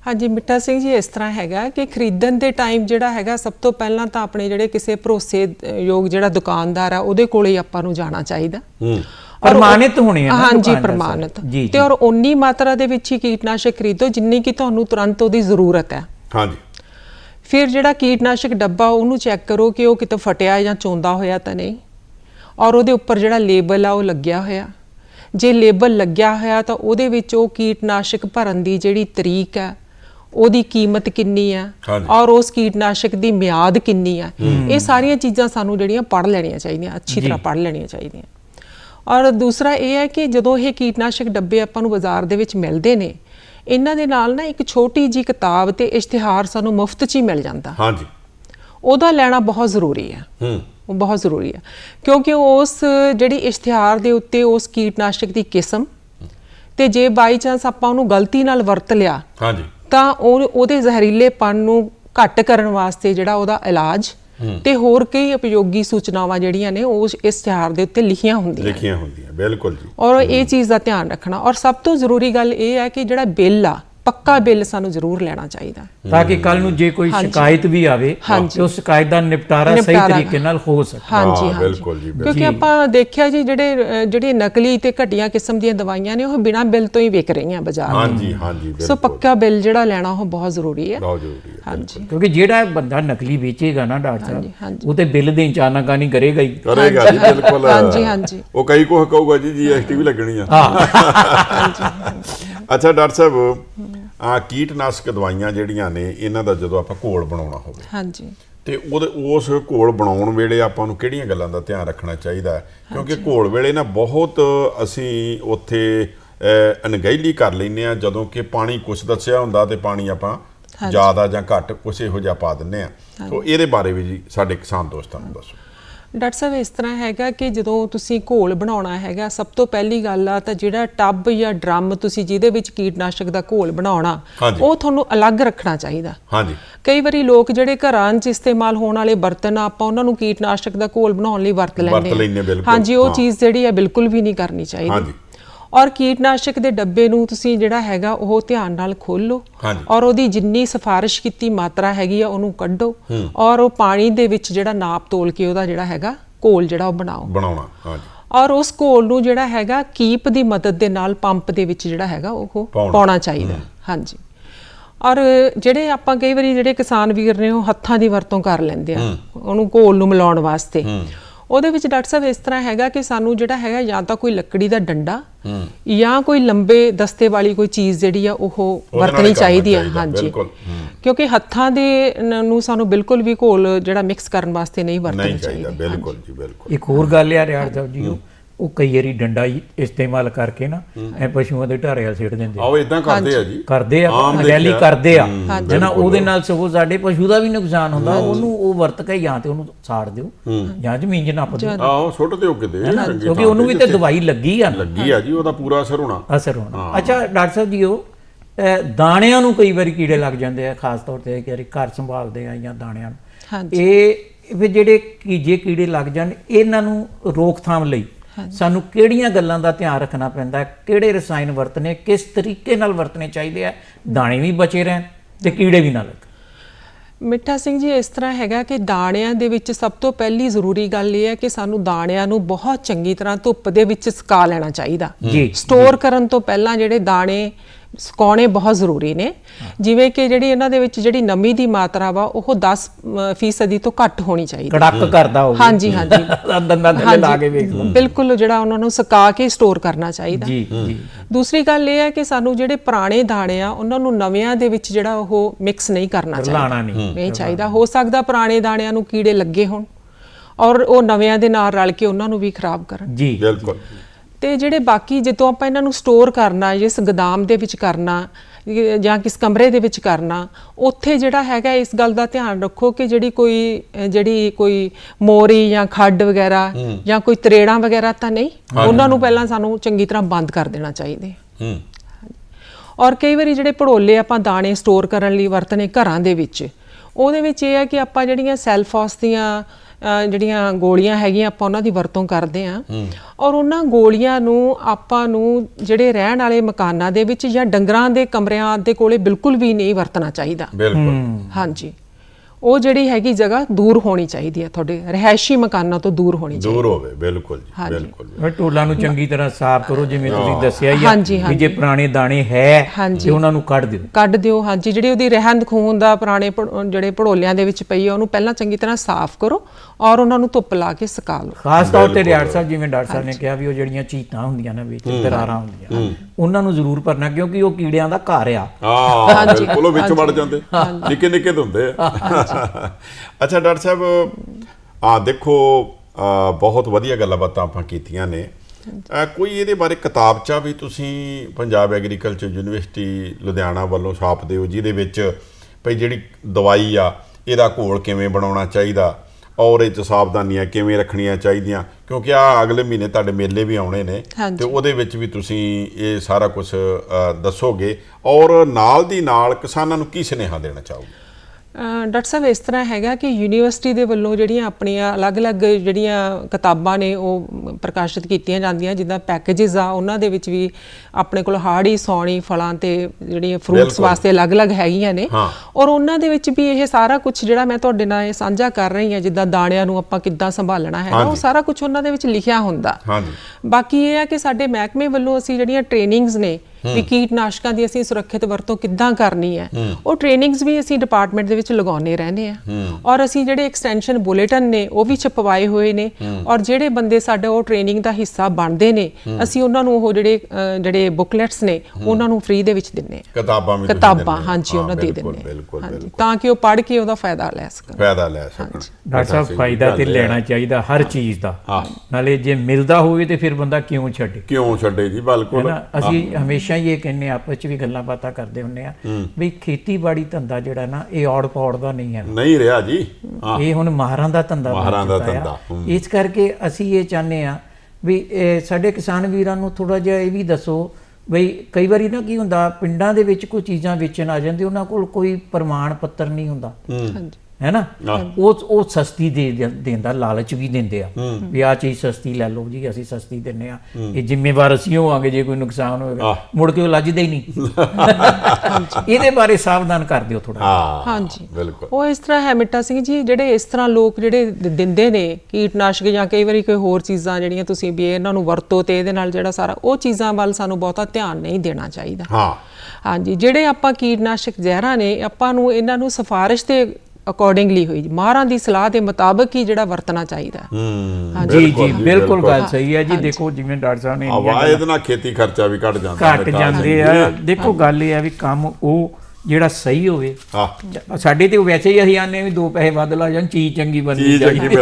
C: ਹਾਂਜੀ ਮਿੱਠਾ ਸਿੰਘ ਜੀ, ਇਸ ਤਰ੍ਹਾਂ ਹੈਗਾ ਕਿ ਖਰੀਦਣ ਦੇ ਟਾਈਮ ਜਿਹੜਾ ਹੈਗਾ ਸਭ ਤੋਂ ਪਹਿਲਾਂ ਤਾਂ ਆਪਣੇ ਜਿਹੜੇ ਕਿਸੇ ਭਰੋਸੇਯੋਗ ਜਿਹੜਾ ਦੁਕਾਨਦਾਰ ਆ ਉਹਦੇ ਕੋਲੇ ਹੀ ਆਪਾਂ ਨੂੰ ਜਾਣਾ ਚਾਹੀਦਾ।
A: ਪ੍ਰਮਾਣਿਤ ਹੋਣੇ ਆ ਨਾ
C: ਹਾਂਜੀ,
A: ਦੁਕਾਨਦਾਰ
C: ਪ੍ਰਮਾਣਿਤ।
A: ਜੀ,
C: ਤੇ ਔਰ ਉਨੀ ਮਾਤਰਾ ਦੇ ਵਿੱਚ ਹੀ ਕੀਟਨਾਸ਼ਕ ਖਰੀਦੋ ਜਿੰਨੀ ਕਿ ਤੁਹਾਨੂੰ ਤੁਰੰਤ ਉਹਦੀ ਜ਼ਰੂਰਤ ਹੈ।
B: ਹਾਂਜੀ।
C: ਫਿਰ ਜਿਹੜਾ ਕੀਟਨਾਸ਼ਕ ਡੱਬਾ ਉਹਨੂੰ ਚੈੱਕ ਕਰੋ ਕਿ ਉਹ ਕਿਤੇ ਫਟਿਆ ਜਾਂ ਚੋਂਦਾ ਹੋਇਆ ਤਾਂ ਨਹੀਂ, ਔਰ ਉਹਦੇ ਉੱਪਰ ਜਿਹੜਾ ਲੇਬਲ ਆ ਉਹ ਲੱਗਿਆ ਹੋਇਆ। ਜੇ ਲੇਬਲ ਲੱਗਿਆ ਹੋਇਆ ਤਾਂ ਉਹਦੇ ਵਿੱਚ ਉਹ ਕੀਟਨਾਸ਼ਕ ਭਰਨ ਦੀ ਜਿਹੜੀ ਤਰੀਕ ਹੈ, ਉਹਦੀ ਕੀਮਤ ਕਿੰਨੀ ਹੈ, ਔਰ ਉਸ ਕੀਟਨਾਸ਼ਕ ਦੀ ਮਿਆਦ ਕਿੰਨੀ ਹੈ, ਇਹ ਸਾਰੀਆਂ ਚੀਜ਼ਾਂ ਸਾਨੂੰ ਜਿਹੜੀਆਂ ਪੜ੍ਹ ਲੈਣੀਆਂ ਚਾਹੀਦੀਆਂ, ਅੱਛੀ ਤਰ੍ਹਾਂ ਪੜ੍ਹ ਲੈਣੀਆਂ ਚਾਹੀਦੀਆਂ। ਔਰ ਦੂਸਰਾ ਇਹ ਹੈ ਕਿ ਜਦੋਂ ਇਹ ਕੀਟਨਾਸ਼ਕ ਡੱਬੇ ਆਪਾਂ ਨੂੰ ਬਾਜ਼ਾਰ ਦੇ ਵਿੱਚ ਮਿਲਦੇ ਨੇ, ਇਹਨਾਂ ਦੇ ਨਾਲ ਨਾ ਇੱਕ ਛੋਟੀ ਜੀ ਕਿਤਾਬ ਤੇ ਇਸ਼ਤਿਹਾਰ ਸਾਨੂੰ ਮੁਫਤ 'ਚ ਹੀ ਮਿਲ ਜਾਂਦਾ।
B: ਹਾਂਜੀ।
C: ਉਹਦਾ ਲੈਣਾ ਬਹੁਤ ਜ਼ਰੂਰੀ ਹੈ। ਉਹ ਬਹੁਤ ਜ਼ਰੂਰੀ ਹੈ ਕਿਉਂਕਿ ਉਸ ਜਿਹੜੀ ਇਸ਼ਤਿਹਾਰ ਦੇ ਉੱਤੇ ਉਸ ਕੀਟਨਾਸ਼ਕ ਦੀ ਕਿਸਮ ਤੇ ਜੇ ਬਾਈ ਚਾਂਸ ਆਪਾਂ ਉਹਨੂੰ ਗਲਤੀ ਨਾਲ ਵਰਤ ਲਿਆ,
B: ਹਾਂਜੀ,
C: ਤਾਂ ਉਹਦੇ ਜ਼ਹਿਰੀਲੇਪਣ ਨੂੰ ਘੱਟ ਕਰਨ ਵਾਸਤੇ ਜਿਹੜਾ ਉਹਦਾ ਇਲਾਜ ਤੇ ਹੋਰ ਕਈ ਉਪਯੋਗੀ ਸੂਚਨਾਵਾਂ ਜਿਹੜੀਆਂ ਨੇ ਉਸ ਇਸ਼ਤਿਹਾਰ ਦੇ ਉੱਤੇ ਲਿਖੀਆਂ ਹੁੰਦੀਆਂ।
B: ਬਿਲਕੁਲ ਜੀ।
C: ਔਰ ਇਹ ਚੀਜ਼ ਦਾ ਧਿਆਨ ਰੱਖਣਾ। ਔਰ ਸਭ ਤੋਂ ਜ਼ਰੂਰੀ ਗੱਲ ਇਹ ਹੈ ਕਿ ਜਿਹੜਾ ਬਿੱਲ ਆ, ਪੱਕਾ ਬਿੱਲ ਸਾਨੂੰ ਜ਼ਰੂਰ ਲੈਣਾ ਚਾਹੀਦਾ
A: ਤਾਂ ਕਿ ਕੱਲ ਨੂੰ ਜੇ ਕੋਈ ਸ਼ਿਕਾਇਤ ਵੀ ਆਵੇ ਤੇ ਉਸ ਸ਼ਿਕਾਇਤ ਦਾ ਨਿਪਟਾਰਾ ਸਹੀ ਤਰੀਕੇ ਨਾਲ ਹੋ ਸਕੇ।
C: ਹਾਂਜੀ,
B: ਬਿਲਕੁਲ ਜੀ।
C: ਕਿਉਂਕਿ ਆਪਾਂ ਦੇਖਿਆ ਜੀ ਜਿਹੜੇ ਨਕਲੀ ਤੇ ਘਟੀਆਂ ਕਿਸਮ ਦੀਆਂ ਦਵਾਈਆਂ ਨੇ ਉਹ ਬਿਨਾਂ ਬਿੱਲ ਤੋਂ ਹੀ ਵਿਕ ਰਹੀਆਂ ਬਾਜ਼ਾਰ ਵਿੱਚ।
B: ਹਾਂਜੀ।
C: ਸੋ ਪੱਕਾ ਬਿੱਲ ਜਿਹੜਾ ਲੈਣਾ ਉਹ ਬਹੁਤ ਜ਼ਰੂਰੀ ਹੈ।
B: ਹਾਂਜੀ।
A: ਕਿਉਂਕਿ ਜਿਹੜਾ ਬੰਦਾ ਨਕਲੀ ਵੇਚੇਗਾ ਨਾ ਡਾਕਟਰ ਸਾਹਿਬ, ਉਹ ਤੇ ਬਿੱਲ ਦੇ ਚਾਨਕਾ ਨਹੀਂ ਕਰੇਗਾ ਹੀ।
B: ਕਰੇਗਾ ਜੀ, ਬਿਲਕੁਲ।
C: ਹਾਂਜੀ।
B: ਉਹ ਕਈ ਕੁਝ ਕਹੂਗਾ ਜੀ GST ਵੀ ਲੱਗਣੀ ਆ। ਅੱਛਾ ਡਾਕਟਰ ਸਾਹਿਬ, ਕੀਟਨਾਸ਼ਕ ਦਵਾਈਆਂ ਜਿਹੜੀਆਂ ਨੇ ਇਹਨਾਂ ਦਾ ਜਦੋਂ ਆਪਾਂ ਘੋਲ ਬਣਾਉਣਾ ਹੋਵੇ,
C: ਹਾਂਜੀ, ਤੇ
B: ਉਸ ਘੋਲ ਬਣਾਉਣ ਵੇਲੇ ਆਪਾਂ ਨੂੰ ਕਿਹੜੀਆਂ ਗੱਲਾਂ ਦਾ ਧਿਆਨ ਰੱਖਣਾ ਚਾਹੀਦਾ? ਕਿਉਂਕਿ ਘੋਲ ਵੇਲੇ ਨਾ ਬਹੁਤ ਅਸੀਂ ਉੱਥੇ ਅਣਗਹਿਲੀ ਕਰ ਲੈਂਦੇ ਆ, ਜਦੋਂ ਕਿ ਪਾਣੀ ਕੁਛ ਦੱਸਿਆ ਹੁੰਦਾ ਤੇ ਪਾਣੀ ਆਪਾਂ ਜ਼ਿਆਦਾ ਜਾਂ ਘੱਟ ਕੁਛ ਇਹੋ ਜਿਹਾ ਪਾ ਦਿੰਦੇ ਆ। ਸੋ ਇਹਦੇ ਬਾਰੇ ਵੀ ਜੀ ਸਾਡੇ ਕਿਸਾਨ ਦੋਸਤਾਂ ਨੂੰ ਦੱਸੋ।
C: ਡਾਕਟਰ ਸਾਹਿਬ, ਇਸ ਤਰ੍ਹਾਂ ਹੈਗਾ ਕਿ ਜਦੋਂ ਤੁਸੀਂ ਘੋਲ ਬਣਾਉਣਾ ਹੈਗਾ, ਸਭ ਤੋਂ ਪਹਿਲੀ ਗੱਲ ਆ ਤਾਂ ਜਿਹੜਾ ਟੱਬ ਜਾਂ ਡਰਮ ਤੁਸੀਂ ਜਿਹਦੇ ਵਿੱਚ ਕੀਟਨਾਸ਼ਕ ਦਾ ਘੋਲ ਬਣਾਉਣਾ, ਉਹ ਤੁਹਾਨੂੰ ਅਲੱਗ ਰੱਖਣਾ ਚਾਹੀਦਾ।
B: ਹਾਂਜੀ।
C: ਕਈ ਵਾਰੀ ਲੋਕ ਜਿਹੜੇ ਘਰਾਂ 'ਚ ਇਸਤੇਮਾਲ ਹੋਣ ਵਾਲੇ ਬਰਤਨ ਆ, ਆਪਾਂ ਉਹਨਾਂ ਨੂੰ ਕੀਟਨਾਸ਼ਕ ਦਾ ਘੋਲ ਬਣਾਉਣ ਲਈ ਵਰਤ ਲੈਂਦੇ। ਹਾਂਜੀ, ਉਹ ਚੀਜ਼ ਜਿਹੜੀ ਹੈ ਬਿਲਕੁਲ ਵੀ ਨਹੀਂ ਕਰਨੀ ਚਾਹੀਦੀ। ਔਰ ਕੀਟਨਾਸ਼ਕ ਦੇ ਡੱਬੇ ਨੂੰ ਤੁਸੀਂ ਜਿਹੜਾ ਹੈਗਾ ਉਹ ਧਿਆਨ ਨਾਲ ਖੋਲੋ, ਔਰ ਉਹਦੀ ਜਿੰਨੀ ਸਿਫਾਰਿਸ਼ ਕੀਤੀ ਮਾਤਰਾ ਹੈਗੀ ਆ ਉਹਨੂੰ ਕੱਢੋ, ਔਰ ਉਹ ਪਾਣੀ ਦੇ ਵਿੱਚ ਜਿਹੜਾ ਨਾਪ ਤੋਲ ਕੇ ਉਹਦਾ ਜਿਹੜਾ ਹੈਗਾ ਘੋਲ ਜਿਹੜਾ ਉਹ ਬਣਾਉਣਾ। ਔਰ ਉਸ ਘੋਲ ਨੂੰ ਜਿਹੜਾ ਹੈਗਾ ਕੀਪ ਦੀ ਮਦਦ ਦੇ ਨਾਲ ਪੰਪ ਦੇ ਵਿੱਚ ਜਿਹੜਾ ਹੈਗਾ ਉਹ ਪਾਉਣਾ ਚਾਹੀਦਾ। ਹਾਂਜੀ। ਔਰ ਜਿਹੜੇ ਆਪਾਂ ਕਈ ਵਾਰੀ ਜਿਹੜੇ ਕਿਸਾਨ ਵੀਰ ਨੇ ਉਹ ਹੱਥਾਂ ਦੀ ਵਰਤੋਂ ਕਰ ਲੈਂਦੇ ਆ ਉਹਨੂੰ ਘੋਲ ਨੂੰ ਮਿਲਾਉਣ ਵਾਸਤੇ। ਉਹਦੇ ਵਿੱਚ ਡਾਕਟਰ ਸਾਹਿਬ ਇਸ ਤਰ੍ਹਾਂ ਹੈਗਾ ਕਿ ਸਾਨੂੰ ਜਿਹੜਾ ਹੈਗਾ ਜਾਂ ਤਾਂ ਕੋਈ ਲੱਕੜੀ ਦਾ ਡੰਡਾ ਜਾਂ ਕੋਈ ਲੰਬੇ ਦਸਤੇ ਵਾਲੀ ਕੋਈ ਚੀਜ਼ ਜਿਹੜੀ ਆ ਉਹ ਵਰਤਣੀ ਚਾਹੀਦੀ ਹੈ। ਹਾਂਜੀ, ਕਿਉਂਕਿ ਹੱਥਾਂ ਦੇ ਨੂੰ ਸਾਨੂੰ ਬਿਲਕੁਲ ਵੀ ਘੋਲ ਜਿਹੜਾ ਮਿਕਸ ਕਰਨ ਵਾਸਤੇ ਨਹੀਂ ਵਰਤਣਾ ਚਾਹੀਦਾ।
B: ਬਿਲਕੁਲ ਜੀ, ਬਿਲਕੁਲ।
A: ਇੱਕ ਹੋਰ ਗੱਲ ਆ ਰਿਆੜ ਸਾਹਿਬ ਜੀ, ਉਹ ਕਈ ਵਾਰੀ ਡੰਡਾ ਇਸਤੇਮਾਲ ਕਰਕੇ ਨਾ ਐ ਪਸ਼ੂਆਂ ਦੇ ਢਾਰੇ ਵਾਲ ਸਿੱਟ ਦਿੰਦੇ।
B: ਆਓ ਇਦਾਂ ਕਰਦੇ ਆ ਜੀ,
A: ਕਰਦੇ ਆ, ਰੈਲੀ ਕਰਦੇ ਆ ਜਨਾ। ਉਹਦੇ ਨਾਲ ਸਗੋਂ ਸਾਡੇ ਪਸ਼ੂ ਦਾ ਵੀ ਨੁਕਸਾਨ ਹੁੰਦਾ। ਉਹਨੂੰ ਉਹ ਵਰਤ ਕੇ ਜਾਂ ਤੇ ਉਹਨੂੰ ਸਾੜ ਦਿਓ ਜਾਂ ਜ਼ਮੀਨ 'ਚ ਨੱਪ ਦਿਓ।
B: ਆਹੋ, ਸੁੱਟ ਦਿਓ ਕਿਤੇ,
A: ਕਿਉਂਕਿ ਉਹਨੂੰ ਵੀ ਤੇ ਦਵਾਈ ਲੱਗੀ ਆ
B: ਜੀ, ਉਹਦਾ ਪੂਰਾ ਅਸਰ ਹੋਣਾ।
A: ਅੱਛਾ ਡਾਕਟਰ ਸਾਹਿਬ ਜੀ, ਉਹ ਦਾਣਿਆਂ ਨੂੰ ਕਈ ਵਾਰੀ ਕੀੜੇ ਲੱਗ ਜਾਂਦੇ ਆ, ਖਾਸ ਤੌਰ ਤੇ ਘਰ ਸੰਭਾਲਦੇ ਆ ਜਾਂ ਦਾਣਿਆਂ ਨੂੰ। ਇਹ ਫਿਰ ਜਿਹੜੇ ਜੇ ਕੀੜੇ ਲੱਗ ਜਾਣ, ਇਹਨਾਂ ਨੂੰ ਰੋਕਥਾਮ ਲਈ ਸਾਨੂੰ ਕਿਹੜੀਆਂ ਗੱਲਾਂ ਦਾ ਧਿਆਨ ਰੱਖਣਾ ਪੈਂਦਾ? ਕਿਹੜੇ ਰਸਾਇਣ ਵਰਤਨੇ, ਕਿਸ ਤਰੀਕੇ ਨਾਲ ਵਰਤਨੇ ਚਾਹੀਦੇ ਆ, ਦਾਣੇ ਵੀ ਬਚੇ ਰਹਿਣ ਤੇ ਕੀੜੇ ਵੀ ਨਾ ਲੱਗਣ?
C: ਮਿੱਠਾ ਸਿੰਘ ਜੀ, ਇਸ ਤਰ੍ਹਾਂ ਹੈਗਾ ਕਿ ਦਾਣਿਆਂ ਦੇ ਵਿੱਚ ਸਭ ਤੋਂ ਪਹਿਲੀ ਜ਼ਰੂਰੀ ਗੱਲ ਇਹ ਹੈ ਕਿ ਸਾਨੂੰ ਦਾਣਿਆਂ ਨੂੰ ਬਹੁਤ ਚੰਗੀ ਤਰ੍ਹਾਂ ਧੁੱਪ ਦੇ ਵਿੱਚ ਸੁਕਾ ਲੈਣਾ ਚਾਹੀਦਾ। ਸਟੋਰ ਕਰਨ ਤੋਂ ਪਹਿਲਾਂ ਜਿਹੜੇ ਦਾਣੇ ਸੁਕਾਉਣੇ ਬਹੁਤ ਜ਼ਰੂਰੀ ਨੇ। ਜਿਵੇਂ ਕਿ ਜਿਹੜੀ ਇਹਨਾਂ ਦੇ ਵਿੱਚ ਜਿਹੜੀ ਨਮੀ ਦੀ ਮਾਤਰਾ ਵਾ ਉਹ 10% ਤੋਂ ਘੱਟ ਹੋਣੀ ਚਾਹੀਦੀ।
A: ਕੜਕ ਕਰਦਾ ਹੋਵੇ।
C: ਹਾਂਜੀ,
A: ਦੰਦਾਂ ਥੱਲੇ ਲਾ ਕੇ ਵੇਖ ਲਓ।
C: ਬਿਲਕੁਲ, ਜਿਹੜਾ ਉਹਨਾਂ ਨੂੰ ਸੁਕਾ ਕੇ ਸਟੋਰ ਕਰਨਾ ਚਾਹੀਦਾ। ਦੂਸਰੀ ਗੱਲ ਇਹ ਹੈ ਕਿ ਸਾਨੂੰ ਜਿਹੜੇ ਪੁਰਾਣੇ ਦਾਣੇ ਆ ਉਹਨਾਂ ਨੂੰ ਨਵਿਆਂ ਦੇ ਵਿੱਚ ਜਿਹੜਾ ਉਹ ਮਿਕਸ ਨਹੀਂ ਕਰਨਾ ਚਾਹੀਦਾ, ਨਹੀਂ ਚਾਹੀਦਾ। ਹੋ ਸਕਦਾ ਪੁਰਾਣੇ ਦਾਣਿਆਂ ਨੂੰ ਕੀੜੇ ਲੱਗੇ ਹੋਣ ਔਰ ਉਹ ਨਵਿਆਂ ਦੇ ਨਾਲ ਰਲ ਕੇ ਉਹਨਾਂ ਨੂੰ ਵੀ ਖਰਾਬ ਕਰਨ।
A: ਜੀ, ਬਿਲਕੁਲ।
C: ਤੇ ਜਿਹੜੇ ਬਾਕੀ ਜਦੋਂ ਆਪਾਂ ਇਹਨਾਂ ਨੂੰ ਸਟੋਰ ਕਰਨਾ, ਜਿਸ ਗੋਦਾਮ ਦੇ ਵਿੱਚ ਕਰਨਾ ਜਾਂ ਕਿਸ ਕਮਰੇ ਦੇ ਵਿੱਚ ਕਰਨਾ, ਉੱਥੇ ਜਿਹੜਾ ਹੈਗਾ ਇਸ ਗੱਲ ਦਾ ਧਿਆਨ ਰੱਖੋ ਕਿ ਜਿਹੜੀ ਕੋਈ ਮੋਰੀ ਜਾਂ ਖੱਡ ਵਗੈਰਾ ਜਾਂ ਕੋਈ ਤਰੇੜਾਂ ਵਗੈਰਾ ਤਾਂ ਨਹੀਂ, ਉਹਨਾਂ ਨੂੰ ਪਹਿਲਾਂ ਸਾਨੂੰ ਚੰਗੀ ਤਰ੍ਹਾਂ ਬੰਦ ਕਰ ਦੇਣਾ ਚਾਹੀਦਾ। ਔਰ ਕਈ ਵਾਰੀ ਜਿਹੜੇ ਭੜੋਲੇ ਆਪਾਂ ਦਾਣੇ ਸਟੋਰ ਕਰਨ ਲਈ ਵਰਤਨੇ ਘਰਾਂ ਦੇ ਵਿੱਚ, ਉਹਦੇ ਵਿੱਚ ਇਹ ਹੈ ਕਿ ਆਪਾਂ ਜਿਹੜੀਆਂ ਸੈਲਫੋਸ ਦੀਆਂ ਜਿਹੜੀਆਂ ਗੋਲੀਆਂ ਹੈਗੀਆਂ ਆਪਾਂ ਉਹਨਾਂ ਦੀ ਵਰਤੋਂ ਕਰਦੇ ਹਾਂ ਔਰ ਉਹਨਾਂ ਗੋਲੀਆਂ ਨੂੰ ਆਪਾਂ ਨੂੰ ਜਿਹੜੇ ਰਹਿਣ ਵਾਲੇ ਮਕਾਨਾਂ ਦੇ ਵਿੱਚ ਜਾਂ ਡੰਗਰਾਂ ਦੇ ਕਮਰਿਆਂ ਦੇ ਕੋਲੇ ਬਿਲਕੁਲ ਵੀ ਨਹੀਂ ਵਰਤਣਾ ਚਾਹੀਦਾ।
B: ਬਿਲਕੁਲ
C: ਹਾਂਜੀ, ਉਹ ਜਿਹੜੀ ਹੈਗੀ ਜਗ੍ਹਾ ਦੂਰ ਹੋਣੀ ਚਾਹੀਦੀ ਹੈ, ਤੁਹਾਡੇ ਰਿਹਾਇਸ਼ੀ ਮਕਾਨਾਂ ਤੋਂ ਦੂਰ ਹੋਣੀ ਚਾਹੀਦੀ
B: ਦੂਰ ਹੋਵੇ। ਬਿਲਕੁਲ ਜੀ, ਬਿਲਕੁਲ।
A: ਟੋਲਾਂ ਨੂੰ ਚੰਗੀ ਤਰ੍ਹਾਂ ਸਾਫ਼ ਕਰੋ, ਜਿਵੇਂ ਤੁਸੀਂ ਦੱਸਿਆ ਹੀ ਆ
C: ਹਾਂਜੀ,
A: ਵੀ ਜੇ ਪੁਰਾਣੇ ਦਾਣੇ ਹੈ
C: ਹਾਂਜੀ।
A: ਤੇ ਉਹਨਾਂ ਨੂੰ ਕੱਢ ਦਿਓ। ਹਾਂਜੀ, ਜਿਹੜੀ ਉਹਦੀ ਰਹਿੰਦ ਖੂੰਹਦ ਦਾ ਪੁਰਾਣੇ ਜਿਹੜੇ ਭੜੋਲਿਆਂ ਦੇ ਵਿੱਚ ਪਈ ਆ ਉਹਨੂੰ ਪਹਿਲਾਂ ਚੰਗੀ ਤਰ੍ਹਾਂ ਸਾਫ਼ ਕਰੋ ਔਰ ਉਹਨਾਂ ਨੂੰ ਧੁੱਪ ਲਾ ਕੇ ਸੁਕਾ ਲਓ। ਖਾਸ ਤੌਰ ਤੇ ਡਾਕਟਰ ਸਾਹਿਬ, ਜਿਵੇਂ ਡਾਕਟਰ ਸਾਹਿਬ ਨੇ ਕਿਹਾ ਵੀ ਉਹ ਜਿਹੜੀਆਂ ਚੀਤਾਂ ਹੁੰਦੀਆਂ ਨੇ ਵਿੱਚ ਦਰਾਰਾਂ ਹੁੰਦੀਆਂ ਉਹਨਾਂ ਨੂੰ ਜ਼ਰੂਰ ਭਰਨਾ, ਕਿਉਂਕਿ ਉਹ ਕੀੜਿਆਂ ਦਾ ਘਰ ਆ।
B: ਹਾਂ ਬਿਲਕੁਲ, ਉਹ ਵਿੱਚ ਵੜ ਜਾਂਦੇ, ਨਿੱਕੇ ਨਿੱਕੇ ਹੁੰਦੇ ਆ। ਅੱਛਾ ਡਾਕਟਰ ਸਾਹਿਬ, ਦੇਖੋ ਬਹੁਤ ਵਧੀਆ ਗੱਲਾਂ ਬਾਤਾਂ ਆਪਾਂ ਕੀਤੀਆਂ ਨੇ। ਕੋਈ ਇਹਦੇ ਬਾਰੇ ਕਿਤਾਬਚਾ ਵੀ ਤੁਸੀਂ ਪੰਜਾਬ ਐਗਰੀਕਲਚਰ ਯੂਨੀਵਰਸਿਟੀ ਲੁਧਿਆਣਾ ਵੱਲੋਂ ਛਾਪਦੇ ਹੋ, ਜਿਹਦੇ ਵਿੱਚ ਭਈ ਜਿਹੜੀ ਦਵਾਈ ਆ ਇਹਦਾ ਘੋਲ ਕਿਵੇਂ ਬਣਾਉਣਾ ਚਾਹੀਦਾ ਔਰ ਇਹ 'ਚ ਸਾਵਧਾਨੀਆਂ ਕਿਵੇਂ ਰੱਖਣੀਆਂ ਚਾਹੀਦੀਆਂ, ਕਿਉਂਕਿ ਅਗਲੇ ਮਹੀਨੇ ਤੁਹਾਡੇ ਮੇਲੇ ਵੀ ਆਉਣੇ ਨੇ ਤੇ ਉਹਦੇ ਵਿੱਚ ਵੀ ਤੁਸੀਂ ਇਹ ਸਾਰਾ ਕੁਝ ਦੱਸੋਗੇ ਔਰ ਨਾਲ ਦੀ ਨਾਲ ਕਿਸਾਨਾਂ ਨੂੰ ਕੀ ਸੁਨੇਹਾ ਦੇਣਾ ਚਾਹੋਗੇ?
C: ਡਾਕਟਰ ਸਾਹਿਬ, ਇਸ ਤਰ੍ਹਾਂ ਹੈਗਾ ਕਿ ਯੂਨੀਵਰਸਿਟੀ ਦੇ ਵੱਲੋਂ ਜਿਹੜੀਆਂ ਆਪਣੀਆਂ ਅਲੱਗ-ਅਲੱਗ ਜਿਹੜੀਆਂ ਕਿਤਾਬਾਂ ਨੇ ਉਹ ਪ੍ਰਕਾਸ਼ਿਤ ਕੀਤੀਆਂ ਜਾਂਦੀਆਂ, ਜਿੱਦਾਂ ਪੈਕੇਜਸ ਆ ਉਹਨਾਂ ਦੇ ਵਿੱਚ ਵੀ ਆਪਣੇ ਕੋਲ ਹਾੜੀ ਸੌਣੀ ਫਲਾਂ ਤੇ ਜਿਹੜੀਆਂ ਫਰੂਟਸ ਵਾਸਤੇ ਅਲੱਗ-ਅਲੱਗ ਹੈਗੀਆਂ ਨੇ ਔਰ ਉਹਨਾਂ ਦੇ ਵਿੱਚ ਵੀ ਇਹ ਸਾਰਾ ਕੁਝ ਜਿਹੜਾ ਮੈਂ ਤੁਹਾਡੇ ਨਾਲ ਇਹ ਸਾਂਝਾ ਕਰ ਰਹੀ ਹਾਂ, ਜਿੱਦਾਂ ਦਾਣਿਆਂ ਨੂੰ ਆਪਾਂ ਕਿੱਦਾਂ ਸੰਭਾਲਣਾ ਹੈ, ਉਹ ਸਾਰਾ ਕੁਝ ਉਹਨਾਂ ਦੇ ਵਿੱਚ ਲਿਖਿਆ ਹੁੰਦਾ। ਬਾਕੀ ਇਹ ਹੈ ਕਿ ਸਾਡੇ ਮਹਿਕਮੇ ਵੱਲੋਂ ਅਸੀਂ ਜਿਹੜੀਆਂ ਟ੍ਰੇਨਿੰਗਸ ਨੇ ਵੀ ਕੀਟਨਾਸ਼ਕਾਂ ਦੀ ਅਸੀਂ ਸੁਰੱਖਿਅਤ ਵਰਤੋਂ ਕਿੱਦਾਂ ਕਰਨੀ ਹੈ, ਉਹ ਟ੍ਰੇਨਿੰਗਸ ਵੀ ਅਸੀਂ ਡਿਪਾਰਟਮੈਂਟ ਦੇ ਵਿੱਚ ਲਗਾਉਣੇ ਰਹਿੰਦੇ ਆ ਔਰ ਅਸੀਂ ਜਿਹੜੇ ਐਕਸਟੈਂਸ਼ਨ ਬੁਲੇਟਿਨ ਨੇ ਉਹ ਵੀ ਛਪਵਾਏ ਹੋਏ ਨੇ ਔਰ ਜਿਹੜੇ ਬੰਦੇ ਸਾਡਾ ਉਹ ਟ੍ਰੇਨਿੰਗ ਦਾ ਹਿੱਸਾ ਬਣਦੇ ਨੇ ਅਸੀਂ ਉਹਨਾਂ ਨੂੰ ਉਹ ਜਿਹੜੇ ਬੁਕਲੈਟਸ ਨੇ ਉਹਨਾਂ ਨੂੰ ਫ੍ਰੀ ਦੇ ਵਿੱਚ ਦਿੰਨੇ ਆ। ਕਿਤਾਬਾਂ ਹਾਂਜੀ ਉਹਨਾਂ ਦੇ ਦਿੰਨੇ ਹਾਂਜੀ, ਤਾਂ ਕਿ ਉਹ ਪੜ੍ਹ ਕੇ ਉਹਦਾ ਫਾਇਦਾ ਲੈ ਸਕਣ।
A: ਡਾਕਟਰ ਸਾਹਿਬ, ਫਾਇਦਾ ਤੇ ਲੈਣਾ ਚਾਹੀਦਾ ਹਰ ਚੀਜ਼ ਦਾ, ਨਾਲੇ ਜੇ ਮਿਲਦਾ ਹੋਵੇ ਤੇ ਫਿਰ ਬੰਦਾ ਕਿਉਂ ਛੱਡੇ
B: ਜੀ। ਬਿਲਕੁਲ,
A: ਅਸੀਂ ਹਮੇਸ਼ਾ ਹੀ ਇਹ ਕਹਿੰਦੇ ਆਪਸ ਚ ਵੀ ਗੱਲਾਂ ਬਾਤਾਂ ਕਰਦੇ ਹੁੰਦੇ ਆ ਵੀ ਖੇਤੀਬਾੜੀ ਧੰਦਾ ਜਿਹੜਾ ਨਾ ਇਹ ਔੜ ਪੌੜ ਦਾ ਨਹੀਂ ਹੈ,
B: ਨਹੀਂ ਰਿਹਾ ਜੀ,
A: ਇਹ ਹੁਣ ਮਾਹਰਾਂ ਦਾ ਧੰਦਾ। ਇਸ ਕਰਕੇ ਅਸੀਂ ਇਹ ਚਾਹੁੰਦੇ ਆ ਵੀ ਸਾਡੇ ਕਿਸਾਨ ਵੀਰਾਂ ਨੂੰ ਥੋੜਾ ਜਿਹਾ ਇਹ ਵੀ ਦੱਸੋ ਬਈ ਕਈ ਵਾਰੀ ਨਾ ਕੀ ਹੁੰਦਾ, ਪਿੰਡਾਂ ਦੇ ਵਿੱਚ ਕੋਈ ਚੀਜ਼ਾਂ ਵੇਚਣ ਆ ਜਾਂਦੀ, ਉਹਨਾਂ ਕੋਲ ਕੋਈ ਪ੍ਰਮਾਣ ਪੱਤਰ ਨਹੀਂ ਹੁੰਦਾ ਹੈ ਨਾ, ਉਹ ਸਸਤੀ ਦੇਣ ਦਾ ਲਾਲਚ ਵੀ ਦਿੰਦੇ ਆ ਵੀ ਆਹ ਚੀਜ਼ ਸਸਤੀ ਲੈ ਲਓ ਜੀ, ਅਸੀਂ ਸਸਤੀ ਦਿੰਨੇ ਆ, ਇਹ ਜ਼ਿੰਮੇਵਾਰ ਅਸੀਂ ਹੋਵਾਂਗੇ ਜੇ ਕੋਈ ਨੁਕਸਾਨ ਹੋਵੇਗਾ, ਮੁੜ ਕੇ ਉਹ ਲੱਜਦੇ ਹੀ ਨਹੀਂ। ਇਹਦੇ ਬਾਰੇ ਸਾਵਧਾਨ ਕਰ ਦਿਓ ਥੋੜਾ।
C: ਹਾਂਜੀ ਬਿਲਕੁਲ, ਉਹ ਇਸ ਤਰ੍ਹਾਂ ਹੈ ਮਿੱਟਾ ਸਿੰਘ ਜੀ, ਜਿਹੜੇ ਇਸ ਤਰ੍ਹਾਂ ਲੋਕ ਜਿਹੜੇ ਦਿੰਦੇ ਨੇ ਕੀਟਨਾਸ਼ਕ ਜਾਂ ਕਈ ਵਾਰੀ ਕੋਈ ਹੋਰ ਚੀਜ਼ਾਂ ਜਿਹੜੀਆਂ ਤੁਸੀਂ ਵੀ ਇਹਨਾਂ ਨੂੰ ਵਰਤੋ ਤੇ ਇਹਦੇ ਨਾਲ ਜਿਹੜਾ ਸਾਰਾ ਉਹ ਚੀਜ਼ਾਂ ਵੱਲ ਸਾਨੂੰ ਬਹੁਤਾ ਧਿਆਨ ਨਹੀਂ ਦੇਣਾ ਚਾਹੀਦਾ। ਹਾਂਜੀ, ਜਿਹੜੇ ਆਪਾਂ ਕੀਟਨਾਸ਼ਕ ਜ਼ਹਿਰਾਂ ਨੇ ਆਪਾਂ ਨੂੰ ਇਹਨਾਂ ਨੂੰ ਸਿਫਾਰਿਸ਼ ਦੇ ਅਕੋਰਡਿੰਗਲੀ ਹੋਈ ਮਾਹਰਾਂ ਦੀ ਸਲਾਹ ਦੇ ਮੁਤਾਬਕ ਹੀ ਜਿਹੜਾ ਵਰਤਣਾ ਚਾਹੀਦਾ।
A: ਜੀ ਬਿਲਕੁਲ ਗੱਲ ਸਹੀ ਹੈ ਜੀ। ਦੇਖੋ ਜਿਵੇਂ ਡਾਕਟਰ ਸਾਹਿਬ ਨੇ
B: ਇਹਦੇ ਨਾਲ ਖੇਤੀ ਖਰਚਾ ਵੀ ਘਟ
A: ਜਾਂਦੇ ਆ। ਦੇਖੋ ਗੱਲ ਇਹ ਆ ਵੀ ਕੰਮ ਉਹ ਜਿਹੜਾ ਸਹੀ ਹੋਵੇ, ਸਾਡੇ ਤੇ ਵੈਸੇ ਹੀ ਅਸੀਂ ਆਨੇ ਵੀ 2 ਪੈਸੇ ਵੱਧ ਲਾ ਜਾਣ, ਚੀਜ਼ ਚੰਗੀ ਬਣਨੀ ਚਾਹੀਦੀ।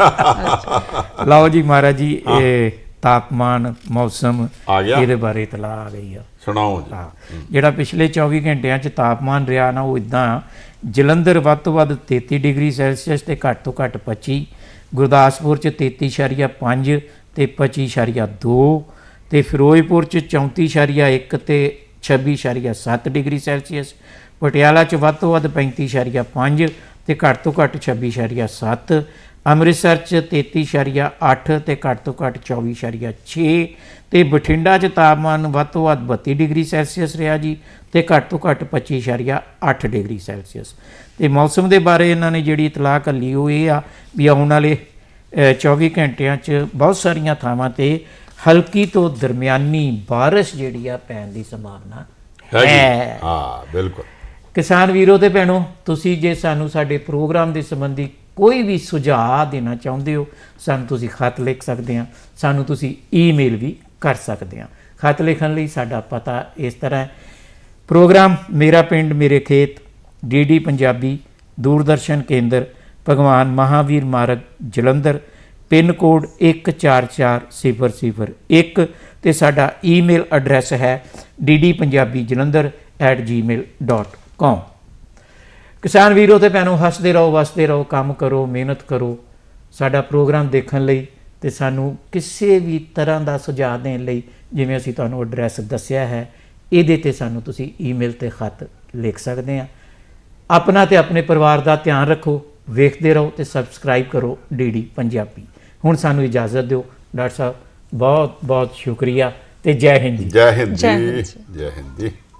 A: ਲਓ ਜੀ ਮਹਾਰਾਜ ਜੀ, ਇਹ ਤਾਪਮਾਨ ਮੌਸਮ ਇਹਦੇ ਬਾਰੇ ਇਤਲਾਹ ਆ ਗਈ ਆ,
B: ਸੁਣਾਓ ਜੀ।
A: ਜਿਹੜਾ ਪਿਛਲੇ 24 ਘੰਟਿਆਂ 'ਚ ਤਾਪਮਾਨ ਰਿਹਾ ਨਾ ਉਹ ਇਦਾਂ, ਜਲੰਧਰ ਵੱਧ ਤੋਂ ਵੱਧ 33 ਡਿਗਰੀ ਸੈਲਸੀਅਸ ਤੇ ਘੱਟ ਤੋਂ ਘੱਟ 25, ਗੁਰਦਾਸਪੁਰ 'ਚ 33.5 ਤੇ 25.2 ਤੇ ਫਿਰੋਜ਼ਪੁਰ 'ਚ 34.1 ਤੇ 26.7 ਡਿਗਰੀ ਸੈਲਸੀਅਸ, ਪਟਿਆਲਾ 'ਚ ਵੱਧ ਤੋਂ ਵੱਧ 35.5 ਤੇ ਘੱਟ ਤੋਂ ਘੱਟ 26.7, ਅੰਮ੍ਰਿਤਸਰ 'ਚ 33.8 ਤੇ ਘੱਟ ਤੋਂ ਘੱਟ 24.6 ਤੇ ਬਠਿੰਡਾ 'ਚ ਤਾਪਮਾਨ ਵੱਧ ਤੋਂ ਵੱਧ 32 ਡਿਗਰੀ ਸੈਲਸੀਅਸ ਰਿਹਾ ਜੀ ਤੇ ਘੱਟ ਤੋਂ ਘੱਟ 25.8 ਡਿਗਰੀ ਸੈਲਸੀਅਸ। ਤੇ ਮੌਸਮ ਦੇ ਬਾਰੇ ਇਹਨਾਂ ਨੇ ਜਿਹੜੀ ਇਤਲਾਹ ਘੱਲੀ ਉਹ ਇਹ ਆ ਵੀ ਆਉਣ ਵਾਲੇ 24 ਘੰਟਿਆਂ 'ਚ ਬਹੁਤ ਸਾਰੀਆਂ ਥਾਵਾਂ ਤੇ ਹਲਕੀ ਤੋਂ ਦਰਮਿਆਨੀ ਬਾਰਿਸ਼ ਜਿਹੜੀ ਆ ਪੈਣ ਦੀ ਸੰਭਾਵਨਾ ਹੈ।
B: ਬਿਲਕੁਲ।
A: ਕਿਸਾਨ ਵੀਰੋ ਤੇ ਭੈਣੋ, ਤੁਸੀਂ ਜੇ ਸਾਨੂੰ ਸਾਡੇ ਪ੍ਰੋਗਰਾਮ ਦੇ ਸੰਬੰਧੀ ਕੋਈ ਵੀ ਸੁਝਾਅ ਦੇਣਾ ਚਾਹੁੰਦੇ ਹੋ, ਸਾਨੂੰ ਤੁਸੀਂ ਖਤ ਲਿਖ ਸਕਦੇ ਆ, ਸਾਨੂੰ ਤੁਸੀਂ ਈਮੇਲ ਵੀ ਕਰ ਸਕਦੇ ਆ। ਖਤ ਲਿਖਣ ਲਈ ਸਾਡਾ ਪਤਾ ਇਸ ਤਰ੍ਹਾਂ ਹੈ, ਪ੍ਰੋਗਰਾਮ ਮੇਰਾ ਪਿੰਡ ਮੇਰੇ ਖੇਤ, ਡੀਡੀ ਪੰਜਾਬੀ, ਦੂਰਦਰਸ਼ਨ ਕੇਂਦਰ, ਭਗਵਾਨ ਮਹਾਵੀਰ ਮਾਰਗ, ਜਲੰਧਰ, ਪਿੰਨ ਕੋਡ 144001 ਤੇ ਸਾਡਾ ਈਮੇਲ ਐਡਰੈਸ ਹੈ ddpunjabijalandhar@gmail.com। ਕਿਸਾਨ ਵੀਰੋ ਤੇ ਭੈਣੋ, ਹੱਸਦੇ ਰਹੋ, ਵਸਦੇ ਰਹੋ, ਕੰਮ ਕਰੋ, ਮਿਹਨਤ ਕਰੋ। ਸਾਡਾ ਪ੍ਰੋਗਰਾਮ ਦੇਖਣ ਲਈ ਤੇ ਸਾਨੂੰ ਕਿਸੇ ਵੀ ਤਰ੍ਹਾਂ ਦਾ ਸੁਝਾਅ ਦੇਣ ਲਈ, ਜਿਵੇਂ ਅਸੀਂ ਤੁਹਾਨੂੰ ਐਡਰੈਸ ਦੱਸਿਆ ਹੈ, ਇਹਦੇ ਤੇ ਸਾਨੂੰ ਤੁਸੀਂ ਈਮੇਲ ਤੇ ਖਤ ਲਿਖ ਸਕਦੇ ਆ। ਆਪਣਾ ਤੇ ਆਪਣੇ ਪਰਿਵਾਰ ਦਾ ਧਿਆਨ ਰੱਖੋ। ਵੇਖਦੇ ਰਹੋ ਤੇ ਸਬਸਕ੍ਰਾਈਬ ਕਰੋ ਡੀਡੀ ਪੰਜਾਬੀ। ਹੁਣ ਸਾਨੂੰ ਇਜਾਜ਼ਤ ਦਿਓ ਡਾਕਟਰ ਸਾਹਿਬ, ਬਹੁਤ ਬਹੁਤ ਸ਼ੁਕਰੀਆ ਤੇ ਜੈ ਹਿੰਦ ਜੀ।
B: ਜੈ ਹਿੰਦ
C: ਜੈ ਹਿੰਦ
B: ਜੀ,
C: ਜੀ।
B: ਜੈ ਹਿੰਦ ਜੀ।